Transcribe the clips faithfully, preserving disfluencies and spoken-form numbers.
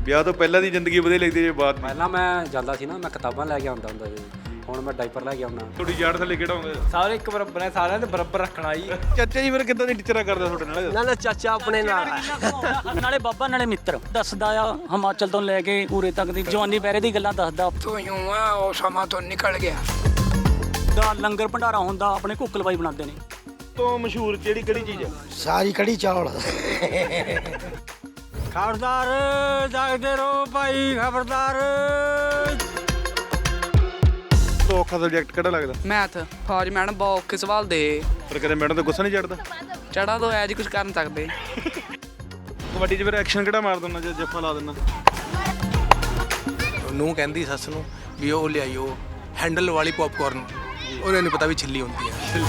ਵਿਆਹ ਤੋਂ ਪਹਿਲਾਂ ਦੀ ਜ਼ਿੰਦਗੀ ਵਧੀਆ ਲੱਗਦੀ ਜੇ ਬਾਅਦ ਦੀ? ਪਹਿਲਾਂ ਮੈਂ ਜਾਂਦਾ ਸੀ ਨਾ, ਮੈਂ ਕਿਤਾਬਾਂ ਲੈ ਕੇ ਆਉਂਦਾ ਹੁੰਦਾ ਸੀ, ਹੁਣ ਮੈਂ ਡਾਈਪਰ ਲੈ ਕੇ ਆਉਣਾ। ਤੁਹਾਡੀ ਯਾਰ ਥੱਲੇ ਕਿਹੜਾ ਹੁੰਦਾ? ਸਾਰੇ ਇੱਕ ਬਰਾਬਰ ਹੈ, ਸਾਰਿਆਂ ਦੇ ਬਰਾਬਰ ਰੱਖਣਾ ਜੀ। ਚਾਚਾ ਜੀ ਫਿਰ ਕਿੱਦਾਂ ਦੀ ਟੀਚਰਾਂ ਕਰਦਾ ਤੁਹਾਡੇ ਨਾਲ? ਨਾ ਨਾ ਚਾਚਾ ਆਪਣੇ ਨਾਲ ਨਾਲੇ ਬਾਬਾ ਨਾਲੇ ਮਿੱਤਰ ਦੱਸਦਾ ਆ, ਹਿਮਾਚਲ ਤੋਂ ਲੈ ਕੇ ਉਰੇ ਤੱਕ ਦੀ ਜਵਾਨੀ ਪਹਿਰੇ ਦੀ ਗੱਲਾਂ ਦੱਸਦਾ। ਤੂੰ ਯੂੰ ਆ ਉਹ ਸਮਾਂ ਤੋਂ ਨਿਕਲ ਗਿਆ। ਦਾ ਲੰਗਰ ਭੰਡਾਰਾ ਹੁੰਦਾ, ਆਪਣੇ ਕੁੱਕਲ ਬਾਈ ਬਣਾਉਂਦੇ ਨੇ। ਤੋਂ ਮਸ਼ਹੂਰ ਜਿਹੜੀ ਕਿਹੜੀ ਚੀਜ਼ ਹੈ? ਸਾਰੀ ਕੜੀ ਚੌਲ। ਖਬਰਦਾਰ ਜਾਗਦੇ ਰਹੋ ਭਾਈ, ਖਬਰਦਾਰ। ਤੋਂ ਔਖਾ ਸਬਜੈਕਟ ਕਿਹੜਾ ਲੱਗਦਾ? ਮੈਥ। ਫੌਜ ਮੈਡਮ ਬਹੁਤ ਔਖੇ ਸਵਾਲ ਦੇ। ਪਰ ਕਦੇ ਮੈਡਮ ਤੇ ਗੁੱਸਾ ਨਹੀਂ ਚੜਦਾ? ਚੜਾ ਦੋ ਐ ਜੀ ਕੁਝ ਕਰ ਨਹੀਂ ਸਕਦੇ। ਕਬੱਡੀ 'ਚ ਫਿਰ ਐਕਸ਼ਨ ਕਿਹੜਾ ਮਾਰ ਦਿੰਦਾ ਜਾਂ ਜੱਫਾ ਲਾ ਦਿੰਦਾ? ਨੂੰ ਕਹਿੰਦੀ ਸੱਸ ਨੂੰ ਵੀ ਉਹ ਲਿਆਈਓ ਹੈਂਡਲ ਵਾਲੀ ਪੌਪਕਾਰਨ, ਉਹਨੇ ਨਹੀਂ ਪਤਾ ਵੀ ਛਿੱਲੀ ਹੁੰਦੀ ਹੈ।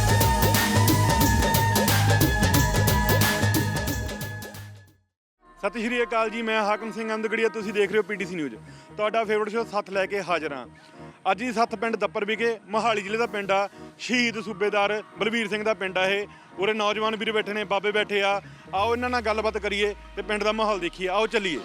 ਸਤਿ ਸ਼੍ਰੀ ਅਕਾਲ ਜੀ, ਮੈਂ ਹਾਕਮ ਸਿੰਘ ਅੰਦਗੜੀਆ, ਤੁਸੀਂ ਦੇਖ ਰਹੇ ਹੋ ਪੀਟੀਸੀ ਨਿਊਜ਼। ਤੁਹਾਡਾ ਫੇਵਰਟ ਸ਼ੋਅ ਸੱਥ ਲੈ ਕੇ ਹਾਜ਼ਰ ਹਾਂ। ਅੱਜ ਦੀ ਸੱਥ ਪਿੰਡ ਦੱਪਰ ਵਿਖੇ, ਮੋਹਾਲੀ ਜ਼ਿਲ੍ਹੇ ਦਾ ਪਿੰਡ ਆ। ਸ਼ਹੀਦ ਸੂਬੇਦਾਰ ਬਲਬੀਰ ਸਿੰਘ ਦਾ ਪਿੰਡ ਆ ਇਹ। ਉਰੇ ਨੌਜਵਾਨ ਵੀਰ ਬੈਠੇ ਨੇ, ਬਾਬੇ ਬੈਠੇ ਆ। ਆਓ ਇਹਨਾਂ ਨਾਲ ਗੱਲਬਾਤ ਕਰੀਏ ਤੇ ਪਿੰਡ ਦਾ ਮਾਹੌਲ ਦੇਖੀਏ। ਆਓ ਚੱਲੀਏ।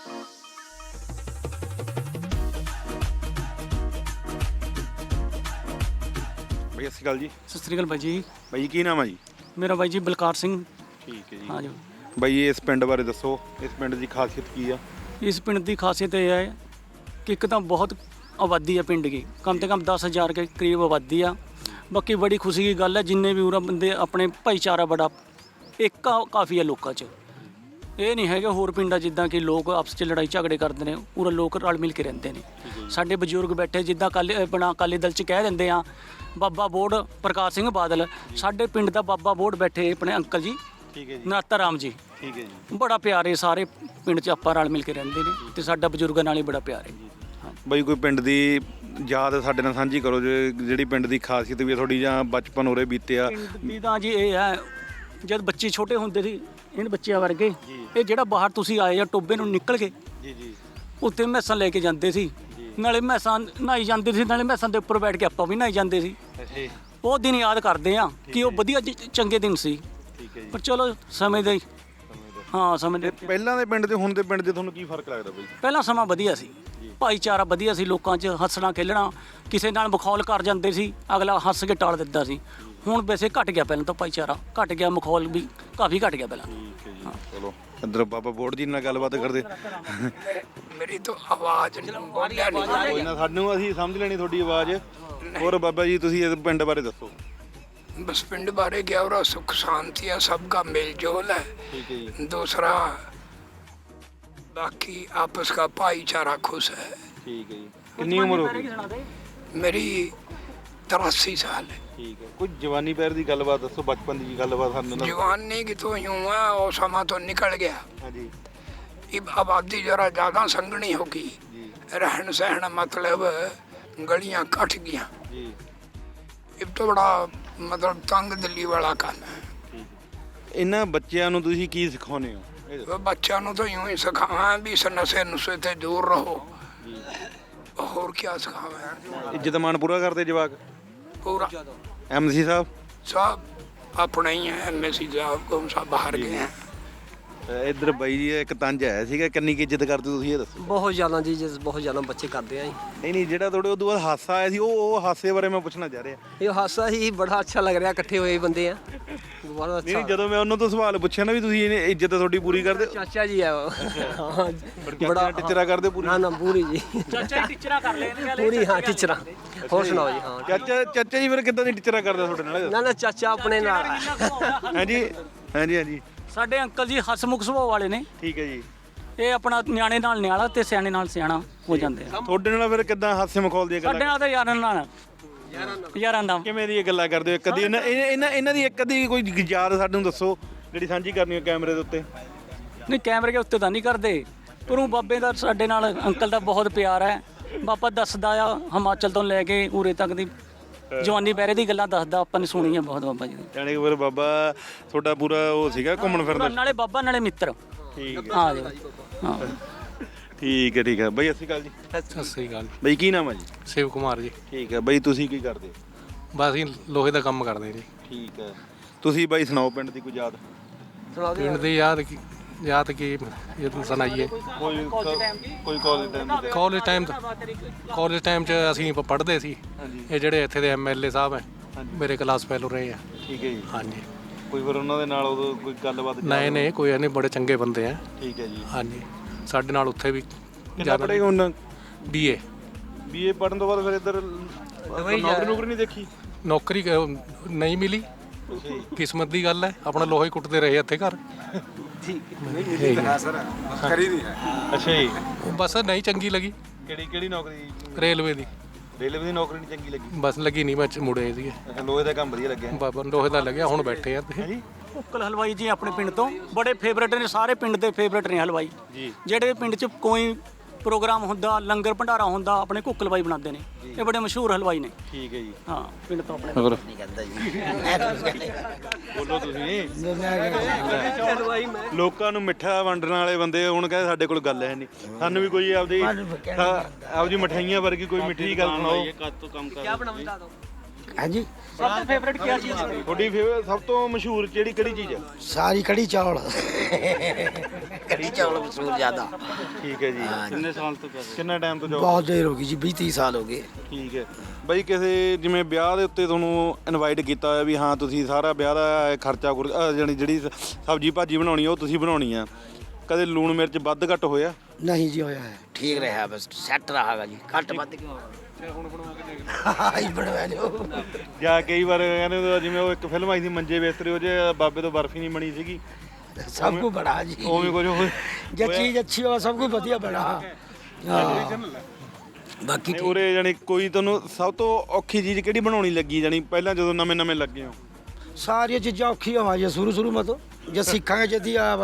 ਬਈ ਸਤਿ ਸ਼੍ਰੀ ਅਕਾਲ ਜੀ। ਸਤਿ ਸ੍ਰੀ ਅਕਾਲ ਬਾਈ ਜੀ। ਬਾਈ ਕੀ ਨਾਮ ਆ ਜੀ? ਮੇਰਾ ਬਾਈ ਜੀ ਬਲਕਾਰ ਸਿੰਘ। ਠੀਕ ਹੈ ਜੀ। ਹਾਂ ਜੀ। ਬਾਈ ਇਸ ਪਿੰਡ ਬਾਰੇ ਦੱਸੋ, ਇਸ ਪਿੰਡ ਦੀ ਖਾਸੀਅਤ ਕੀ ਆ? ਇਸ ਪਿੰਡ ਦੀ ਖਾਸੀਅਤ ਇਹ ਹੈ ਕਿ ਇੱਕ ਤਾਂ ਬਹੁਤ ਆਬਾਦੀ ਹੈ ਪਿੰਡ ਦੀ, ਕਮ ਸੇ ਕਮ ਦਸ ਹਜ਼ਾਰ ਕੇ ਕਰੀਬ ਆਬਾਦੀ ਆ। ਬਾਕੀ ਬੜੀ ਖੁਸ਼ੀ ਦੀ ਗੱਲ ਹੈ, ਜਿੰਨੇ ਵੀ ਉਰਾ ਬੰਦੇ ਆਪਣੇ ਭਾਈਚਾਰਾ ਬੜਾ ਇੱਕ ਕਾਫੀ ਹੈ ਲੋਕਾਂ 'ਚ। ਇਹ ਨਹੀਂ ਹੈਗਾ ਹੋਰ ਪਿੰਡਾਂ ਜਿੱਦਾਂ ਕਿ ਲੋਕ ਆਪਸ 'ਚ ਲੜਾਈ ਝਗੜੇ ਕਰਦੇ ਨੇ, ਉਰਾ ਲੋਕ ਰਲ ਮਿਲ ਕੇ ਰਹਿੰਦੇ ਨੇ। ਸਾਡੇ ਬਜ਼ੁਰਗ ਬੈਠੇ ਜਿੱਦਾਂ ਕੱਲ ਆਪਣਾ ਅਕਾਲੀ ਦਲ 'ਚ ਕਹਿ ਦਿੰਦੇ ਆ ਬਾਬਾ ਬੋੜ ਪ੍ਰਕਾਸ਼ ਸਿੰਘ ਬਾਦਲ, ਸਾਡੇ ਪਿੰਡ ਦਾ ਬਾਬਾ ਬੋੜ ਬੈਠੇ ਆਪਣੇ ਅੰਕਲ ਜੀ, ਠੀਕ ਹੈ ਜੀ। ਨਾਤਾ ਰਾਮ ਜੀ। ਠੀਕ ਹੈ ਜੀ। ਬੜਾ ਪਿਆਰ ਹੈ, ਸਾਰੇ ਪਿੰਡ 'ਚ ਆਪਾਂ ਰਲ ਮਿਲ ਕੇ ਰਹਿੰਦੇ ਨੇ ਤੇ ਸਾਡਾ ਬਜ਼ੁਰਗਾਂ ਨਾਲ ਹੀ ਬੜਾ ਪਿਆਰ ਹੈ। ਬਾਈ ਕੋਈ ਪਿੰਡ ਦੀ ਯਾਦ ਸਾਡੇ ਨਾਲ ਸਾਂਝੀ ਕਰੋ, ਜੇ ਜਿਹੜੀ ਪਿੰਡ ਦੀ ਖਾਸੀਅਤ ਵੀ ਤੁਹਾਡੀ ਜਾਂ ਬਚਪਨ ਉਰੇ ਬੀਤਿਆ। ਪਿੰਡ ਦੀ ਤਾਂ ਜੀ ਇਹ ਹੈ, ਜਦ ਬੱਚੇ ਛੋਟੇ ਹੁੰਦੇ ਸੀ ਇਹਨਾਂ ਬੱਚਿਆਂ ਵਰਗੇ, ਇਹ ਜਿਹੜਾ ਬਾਹਰ ਤੁਸੀਂ ਆਏ ਆ ਟੋਬੇ ਨੂੰ ਨਿਕਲ ਕੇ ਜੀ ਜੀ ਉੱਥੇ ਮੈਸਾਂ ਲੈ ਕੇ ਜਾਂਦੇ ਸੀ, ਨਾਲੇ ਮੈਸਾਂ ਨਹਾਈ ਜਾਂਦੇ ਸੀ, ਨਾਲੇ ਮੈਸਾਂ ਦੇ ਉੱਪਰ ਬੈਠ ਕੇ ਆਪਾਂ ਵੀ ਨਹਾਈ ਜਾਂਦੇ ਸੀ। ਉਹ ਦਿਨ ਯਾਦ ਕਰਦੇ ਆ ਕਿ ਉਹ ਵਧੀਆ ਚੰਗੇ ਦਿਨ ਸੀ। ਠੀਕ ਹੈ ਜੀ। ਪਰ ਚਲੋ ਸਮੇਂ ਦੇ ਹਾਂ ਸਮੇਂ ਦੇ ਪਹਿਲਾਂ ਦੇ ਪਿੰਡ ਤੇ ਹੁਣ ਦੇ ਪਿੰਡ 'ਚ ਤੁਹਾਨੂੰ ਕੀ ਫਰਕ ਲੱਗਦਾ ਬਾਈ? ਪਹਿਲਾਂ ਸਮਾਂ ਵਧੀਆ ਸੀ, ਭਾਈਚਾਰਾ ਵਧੀਆ ਸੀ, ਲੋਕਾਂ 'ਚ ਹੱਸਣਾ ਖੇਲਣਾ, ਕਿਸੇ ਨਾਲ ਮਖੌਲ ਕਰ ਜਾਂਦੇ ਸੀ ਅਗਲਾ ਹੱਸ ਕੇ ਟਾਲ ਦਿੰਦਾ ਸੀ। ਹੁਣ ਵੈਸੇ ਘਟ ਗਿਆ, ਪਹਿਲਾਂ ਤਾਂ ਭਾਈਚਾਰਾ ਘਟ ਗਿਆ, ਮਖੌਲ ਵੀ ਕਾਫੀ ਘਟ ਗਿਆ ਪਹਿਲਾਂ। ਠੀਕ ਹੈ ਜੀ। ਚਲੋ ਇੱਧਰ ਬਾਬਾ ਬੋੜ ਜੀ ਨਾਲ ਗੱਲਬਾਤ ਕਰਦੇ। ਮੇਰੀ ਤਾਂ ਆਵਾਜ਼ ਬੋਲਿਆ ਨਹੀਂ। ਕੋਈ ਨਾ, ਸਾਨੂੰ ਅਸੀਂ ਸਮਝ ਲੈਣੀ ਤੁਹਾਡੀ ਆਵਾਜ਼। ਹੋਰ ਬਾਬਾ ਜੀ ਤੁਸੀਂ ਇਸ ਪਿੰਡ ਬਾਰੇ ਦੱਸੋ। बस पिंड बारे क्या हो रहा, सुख शांति है, सबका मेल जोल है। ਠੀਕ ਹੈ ਜੀ। दूसरा बाकी आपस का भाईचारा खुश है। ਠੀਕ ਹੈ ਜੀ। ਕਿੰਨੀ ਉਮਰ ਹੋ ਗਈ? मेरी तिरासी साल है। ਠੀਕ ਹੈ। ਕੋਈ ਜਵਾਨੀ ਪੈਰ ਦੀ ਗੱਲਬਾਤ ਦੱਸੋ, ਬਚਪਨ ਦੀ ਗੱਲਬਾਤ ਸਾਨੂੰ ਨਾ। जवानी की तो यूं है वो समा तो निकल गया। ਹਾਂਜੀ अब आबादी जरा ज़्यादा संगनी होगी, ਜੀ रहन सहन मतलब गलियां कट गया। ਜੀ। अब तो बड़ा मतलब तंग दिल्ली वाला काम है। ਠੀਕ ਹੈ। ਇਹਨਾਂ ਬੱਚਿਆਂ ਨੂੰ ਤੁਸੀਂ ਕੀ ਸਿਖਾਉਂਦੇ ਹੋ? ਇਹ ਦੱਸੋ। वो बच्चों को तो यूं ही सिखावा भी इस नशे नुशे ते दूर रहो, और क्या सिखावा। ਇੱਜ਼ਤ ਮਾਣ ਪੂਰਾ ਕਰਦੇ ਜਵਾਕ? पूरा ਐਮਸੀ ਸਾਹਿਬ सब अपने ही हैं, एम एस सी साहब को सब बाहर गए हैं। ਇੱਧਰ ਬਾਈ ਜੀ ਇੱਕ ਤੰਜ ਆਇਆ ਸੀਗਾ, ਕਿੰਨੀ ਕੁ ਇੱਜ਼ਤ ਕਰਦੇ ਤੁਸੀਂ ਇਹ ਦੱਸੋ। ਬਹੁਤ ਜ਼ਿਆਦਾ ਜੀ, ਜਿਸ ਬਹੁਤ ਜ਼ਿਆਦਾ ਬੱਚੇ ਕਰਦੇ ਆ ਜੀ। ਨਹੀਂ ਨਹੀਂ, ਜਿਹੜਾ ਤੁਹਾਡੇ ਉਦੋਂ ਬਾਅਦ ਹਾਸਾ ਆਇਆ ਸੀ, ਉਹ ਉਹ ਹਾਸੇ ਬਾਰੇ ਮੈਂ ਪੁੱਛਣਾ ਚਾਹ ਰਿਹਾ। ਇਹ ਹਾਸਾ ਹੀ ਬੜਾ ਅੱਛਾ ਲੱਗ ਰਿਹਾ, ਇਕੱਠੇ ਹੋਏ ਬੰਦੇ ਆ, ਬਹੁਤ ਨਹੀਂ ਅੱਛਾ। ਜਦੋਂ ਮੈਂ ਉਹਨਾਂ ਤੋਂ ਸਵਾਲ ਪੁੱਛਿਆ ਨਾ ਵੀ ਤੁਸੀਂ ਇਹਨੇ ਇੱਜ਼ਤ ਤੁਹਾਡੀ ਪੂਰੀ ਕਰਦੇ, ਚਾਚਾ ਜੀ ਆ ਉਹ। ਹਾਂ ਬੜਾ ਟਿਚਰਾ ਕਰਦੇ ਪੂਰੀ। ਨਾ ਨਾ ਪੂਰੀ ਜੀ, ਚਾਚਾ ਹੀ ਟੀਚਰਾਂ ਕਰ ਲੈਣਗੇ ਪੂਰੀ। ਹਾਂ ਟੀਚਰਾਂ। ਹੋਰ ਸੁਣਾਓ ਜੀ। ਹਾਂ ਚਾਚਾ ਚਾਚਾ ਜੀ ਫਿਰ ਕਿੱਦਾਂ ਦੀ ਟਿਚਰਾ ਕਰਦਾ ਤੁਹਾਡੇ ਨਾਲ? ਨਾ ਨਾ ਚਾਚਾ ਆਪਣੇ ਨਾਲ। ਹਾਂਜੀ ਹਾਂਜੀ ਹਾਂਜੀ। ਸਾਡੇ ਅੰਕਲ ਜੀ ਹਸਮੁਖ ਸੁਭਾਅ ਵਾਲੇ ਨੇ, ਠੀਕ ਹੈ ਜੀ। ਇਹ ਆਪਣਾ ਨਿਆਣੇ ਨਾਲ ਨਿਆਣਾ ਤੇ ਸਿਆਣੇ ਨਾਲ ਸਿਆਣਾ ਹੋ ਜਾਂਦੇ ਆ। ਤੁਹਾਡੇ ਨਾਲ ਫਿਰ ਕਿੱਦਾਂ ਹਾਸੇ ਮਖੌਲ ਦੀਆਂ ਸਾਡੇ ਗੱਲਾਂ? ਨਾਲ ਤਾਂ ਯਾਰਾਂ ਨਾਲ ਯਾਰਾਂ ਦਾ ਕਿਵੇਂ ਦੀ ਇਹ ਗੱਲਾਂ ਕਰਦੇ ਹੋ? ਕਦੀ ਇਹਨਾਂ ਇਹਨਾਂ ਇਹਨਾਂ ਦੀ ਇੱਕ ਅੱਧੀ ਕੋਈ ਯਾਦ ਸਾਨੂੰ ਦੱਸੋ ਜਿਹੜੀ ਸਾਂਝੀ ਕਰਨੀ ਹੋ ਕੈਮਰੇ ਦੇ ਉੱਤੇ। ਨਹੀਂ ਕੈਮਰੇ ਦੇ ਉੱਤੇ ਤਾਂ ਨਹੀਂ ਕਰਦੇ, ਪਰ ਉਹ ਬਾਬੇ ਦਾ ਸਾਡੇ ਨਾਲ ਅੰਕਲ ਦਾ ਬਹੁਤ ਪਿਆਰ ਹੈ। ਬਾਬਾ ਦੱਸਦਾ ਆ ਹਿਮਾਚਲ ਤੋਂ ਲੈ ਕੇ ਉਰੇ ਤੱਕ ਦੀ ਜਵਾਨੀ ਪਹਿਰੇ ਦੀ ਗੱਲਾਂ ਦੱਸਦਾ, ਆਪਾਂ ਨੇ ਸੁਣੀ ਹੈ ਬਹੁਤ ਬਾਬਾ ਜੀ ਦੀ। ਜਾਣੀ ਕਿ ਫਿਰ ਬਾਬਾ ਤੁਹਾਡਾ ਪੂਰਾ ਉਹ ਸੀਗਾ ਘੁੰਮਣ ਫਿਰਨ ਦਾ। ਨਾਲੇ ਬਾਬਾ ਨਾਲੇ ਮਿੱਤਰ। ਠੀਕ ਹੈ। ਹਾਂ ਜੀ ਹਾਂ। ਠੀਕ ਹੈ ਠੀਕ ਹੈ ਬਾਈ, ਸਤਿ ਸ਼੍ਰੀ ਅਕਾਲ ਜੀ। ਸਤਿ ਸ੍ਰੀ ਅਕਾਲ। ਬਾਈ ਕੀ ਨਾਮ ਹੈ ਜੀ? ਸ਼ਿਵ ਕੁਮਾਰ ਜੀ। ਠੀਕ ਹੈ ਬਾਈ, ਤੁਸੀਂ ਕੀ ਕਰਦੇ? ਬਸ ਅਸੀਂ ਲੋਹੇ ਦਾ ਕੰਮ ਕਰਦੇ ਜੀ। ਠੀਕ ਹੈ। ਤੁਸੀਂ ਬਾਈ ਸੁਣਾਓ ਪਿੰਡ ਦੀ ਕੋਈ ਯਾਦ। ਸੁਣਾ ਦਿਓ। ਪਿੰਡ ਦੀ ਯਾਦ ਕੀ- याद की ये तो सुनाइए ਕੋਈ ਕੋਈ ਕਾਲਜ ਟਾਈਮ ਦੇ ਕਾਲਜ ਟਾਈਮ ਕਾਲਜ ਟਾਈਮ 'ਚ ਅਸੀਂ ਪ- ਪੜ੍ਹਦੇ ਸੀ ਇਹ ਜਿਹੜੇ ਇੱਥੇ ਦੇ ਐਮ ਐਲ ਏ ਸਾਹਿਬ ਹੈ ਮੇਰੇ ਕਲਾਸ ਫੈਲੋ ਰਹੇ ਆ ਠੀਕ ਹੈ ਜੀ ਹਾਂਜੀ ਕੋਈ ਫਿਰ ਉਹਨਾਂ ਦੇ ਨਾਲ ਉਦੋਂ ਕੋਈ ਗੱਲਬਾਤ ਨਹੀਂ ਨਹੀਂ ਕੋਈ ਨਹੀਂ ਬੜੇ ਚੰਗੇ ਬੰਦੇ ਆ ਠੀਕ ਹੈ ਜੀ ਹਾਂਜੀ ਸਾਡੇ ਨਾਲ ਉੱਥੇ ਵੀ ਕਿੰਨਾ ਪੜ੍ਹੇ ਹੁਣ ਬੀ ਏ ਬੀਏ ਪੜਨ ਤੋਂ ਬਾਅਦ ਫਿਰ ਇੱਧਰ ਨੌਕਰੀ ਨੌਕਰੀ ਨਹੀਂ ਦੇਖੀ ਨੌਕਰੀ ਕ- ਨਹੀਂ ਮਿਲੀ ਕਿਸਮਤ ਦੀ ਗੱਲ ਹੈ ਆਪਣਾ ਲੋਹਾ ਹੀ ਕੁੱਟਦੇ ਰਹੇ ਇੱਥੇ ਘਰ ਅੱਛਾ ਜੀ ਬਸ ਨਹੀਂ ਚੰਗੀ ਲੱਗੀ ਕਿਹੜੀ ਕਿਹੜੀ ਨੌਕਰੀ ਰੇਲਵੇ ਦੀ ਰੇਲਵੇ ਦੀ ਨੌਕਰੀ ਨਹੀਂ ਚੰਗੀ ਲੱਗੀ ਬਸ ਲੱਗੀ ਨਹੀਂ ਮੈਂ ਚ- ਮੁੜੇ ਸੀਗੇ ਅੱਛਾ ਲੋਹੇ ਦਾ ਕੰਮ ਵਧੀਆ ਲੱਗਿਆ ਬਾਬਾ ਲੋਹੇ ਦਾ ਲੱਗਿਆ ਹੁਣ ਬੈਠੇ ਆ ਤੇ ਕੁੱਕਲ ਹਲਵਾਈ ਜੀ ਆਪਣੇ ਪਿੰਡ ਤੋਂ ਬੜੇ ਫੇਵਰੇਟ ਨੇ, ਸਾਰੇ ਪਿੰਡ ਦੇ ਫੇਵਰੇਟ ਨੇ ਹਲਵਾਈ ਜੀ ਜਿਹੜੇ ਪਿੰਡ 'ਚ ਕੋਈ ਪ੍ਰੋਗਰਾਮ ਹੁੰਦਾ, ਲੰਗਰ ਭੰਡਾਰਾ ਹੁੰਦਾ, ਆਪਣੇ ਕੁੱਕ ਹਲਵਾਈ ਬਣਾਉਂਦੇ ਨੇ। ਇਹ ਬੜੇ ਮਸ਼ਹੂਰ ਹਲਵਾਈ ਨੇ। ਠੀਕ ਹੈ ਜੀ ਹਾਂ ਪਿੰਡ ਤੋਂ ਆਪਣੇ ਬੋਲੋ ਤੁਸੀਂ ਲੋਕਾਂ ਨੂੰ ਮਿੱਠਾ ਵੰਡਣ ਵਾਲੇ ਬੰਦੇ ਹੁਣ ਕਹਿੰਦੇ ਸਾਡੇ ਕੋਲ ਗੱਲ ਹੈ ਨਹੀਂ, ਸਾਨੂੰ ਵੀ ਕੋਈ ਆਪਦੀ ਆਪਦੀ ਮਠਾਈਆਂ ਵਰਗੀ ਕੋਈ ਮਿੱਠੀ ਗੱਲ ਸੁਣਾਓ। ਹਾਂਜੀ ਸਭ ਤੋਂ ਫੇਵਰੇਟ ਕੀ ਚੀਜ਼ ਹੈ ਤੁਹਾਡੀ ਫੇਵਰਟ ਸਭ ਤੋਂ ਮਸ਼ਹੂਰ ਕਿਹੜੀ ਕਿਹੜੀ ਚੀਜ਼ ਹੈ? ਸਾਰੀ ਕੜੀ ਚਾਵਲ ਕੜੀ ਚਾਵਲ ਮਸ਼ਹੂਰ ਜ਼ਿਆਦਾ। ਠੀਕ ਹੈ ਜੀ ਕਿੰਨੇ ਸਾਲ ਤੋਂ ਕਿੰਨਾ ਟਾਈਮ ਤੋਂ ਜੋਬ? ਬਹੁਤ ਦੇਰ ਹੋ ਗਈ ਜੀ, ਵੀਹ ਤੀਹ ਸਾਲ ਹੋ ਗਏ। ਠੀਕ ਹੈ ਬਾਈ, ਕਿਸੇ ਜਿਵੇਂ ਵਿਆਹ ਦੇ ਉੱਤੇ ਤੁਹਾਨੂੰ ਇਨਵਾਈਟ ਕੀਤਾ ਹੋਇਆ ਵੀ ਹਾਂ ਤੁਸੀਂ ਸਾਰਾ ਵਿਆਹ ਦਾ ਖਰਚਾ ਖੁਰ- ਅਹ ਜਾਣੀ ਜਿਹੜੀ ਸਬਜ਼ੀ ਭਾਜੀ ਬਣਾਉਣੀ ਉਹ ਤੁਸੀਂ ਬਣਾਉਣੀ ਆ, ਕਦੇ ਲੂਣ ਮਿਰਚ ਵੱਧ ਘੱਟ ਹੋਇਆ? ਨਹੀਂ ਜੀ ਹੋਇਆ ਹੈ, ਠੀਕ ਰਿਹਾ, ਬਸ ਸੈੱਟ ਰਹਾਗਾ ਜੀ, ਘੱਟ ਵੱਧ ਕਿਉਂ ਹੁਣ ਬਣਵਾ ਕੇ ਬਣਵਾ ਲਿਓ। ਜਾਂ ਕਈ ਵਾਰ ਕਹਿੰਦੇ ਜਿਵੇਂ ਉਹ ਇੱਕ ਫਿਲਮ ਆਈ ਸੀ ਮੰਜੇ ਬਿਸਤਰੇ, ਉਹ 'ਚ ਬਾਬੇ ਤੋਂ ਬਰਫੀ ਨਹੀਂ ਬਣੀ ਸੀਗੀ, ਸਭ ਕੁਝ ਬੜਾ ਜੀ, ਉਵੇਂ ਕੁਝ ਹੋਇਆ? ਜੇ ਚੀਜ਼ ਅੱਛੀ ਹੋ ਸਭ ਕੁਝ ਵਧੀਆ ਬਣਾ। ਹਾਂ ਬਾਕੀ ਨਹੀਂ, ਉਰੇ ਜਾਣੀ ਕੋਈ ਤੁਹਾਨੂੰ ਸਭ ਤੋਂ ਔਖੀ ਚੀਜ਼ ਕਿਹੜੀ ਬਣਾਉਣੀ ਲੱਗੀ ਜਾਣੀ ਪਹਿਲਾਂ ਜਦੋਂ ਨਵੇਂ ਨਵੇਂ ਲੱਗੇ ਹੋ? ਸਾਰੀਆਂ ਚੀਜ਼ਾਂ ਔਖੀਆਂ ਹੋਈਆਂ ਜੀ ਸ਼ੁਰੂ ਸ਼ੁਰੂ ਮਤੋਂ, ਜੇ ਸਿੱਖਾਂਗੇ ਜਦੀ ਆ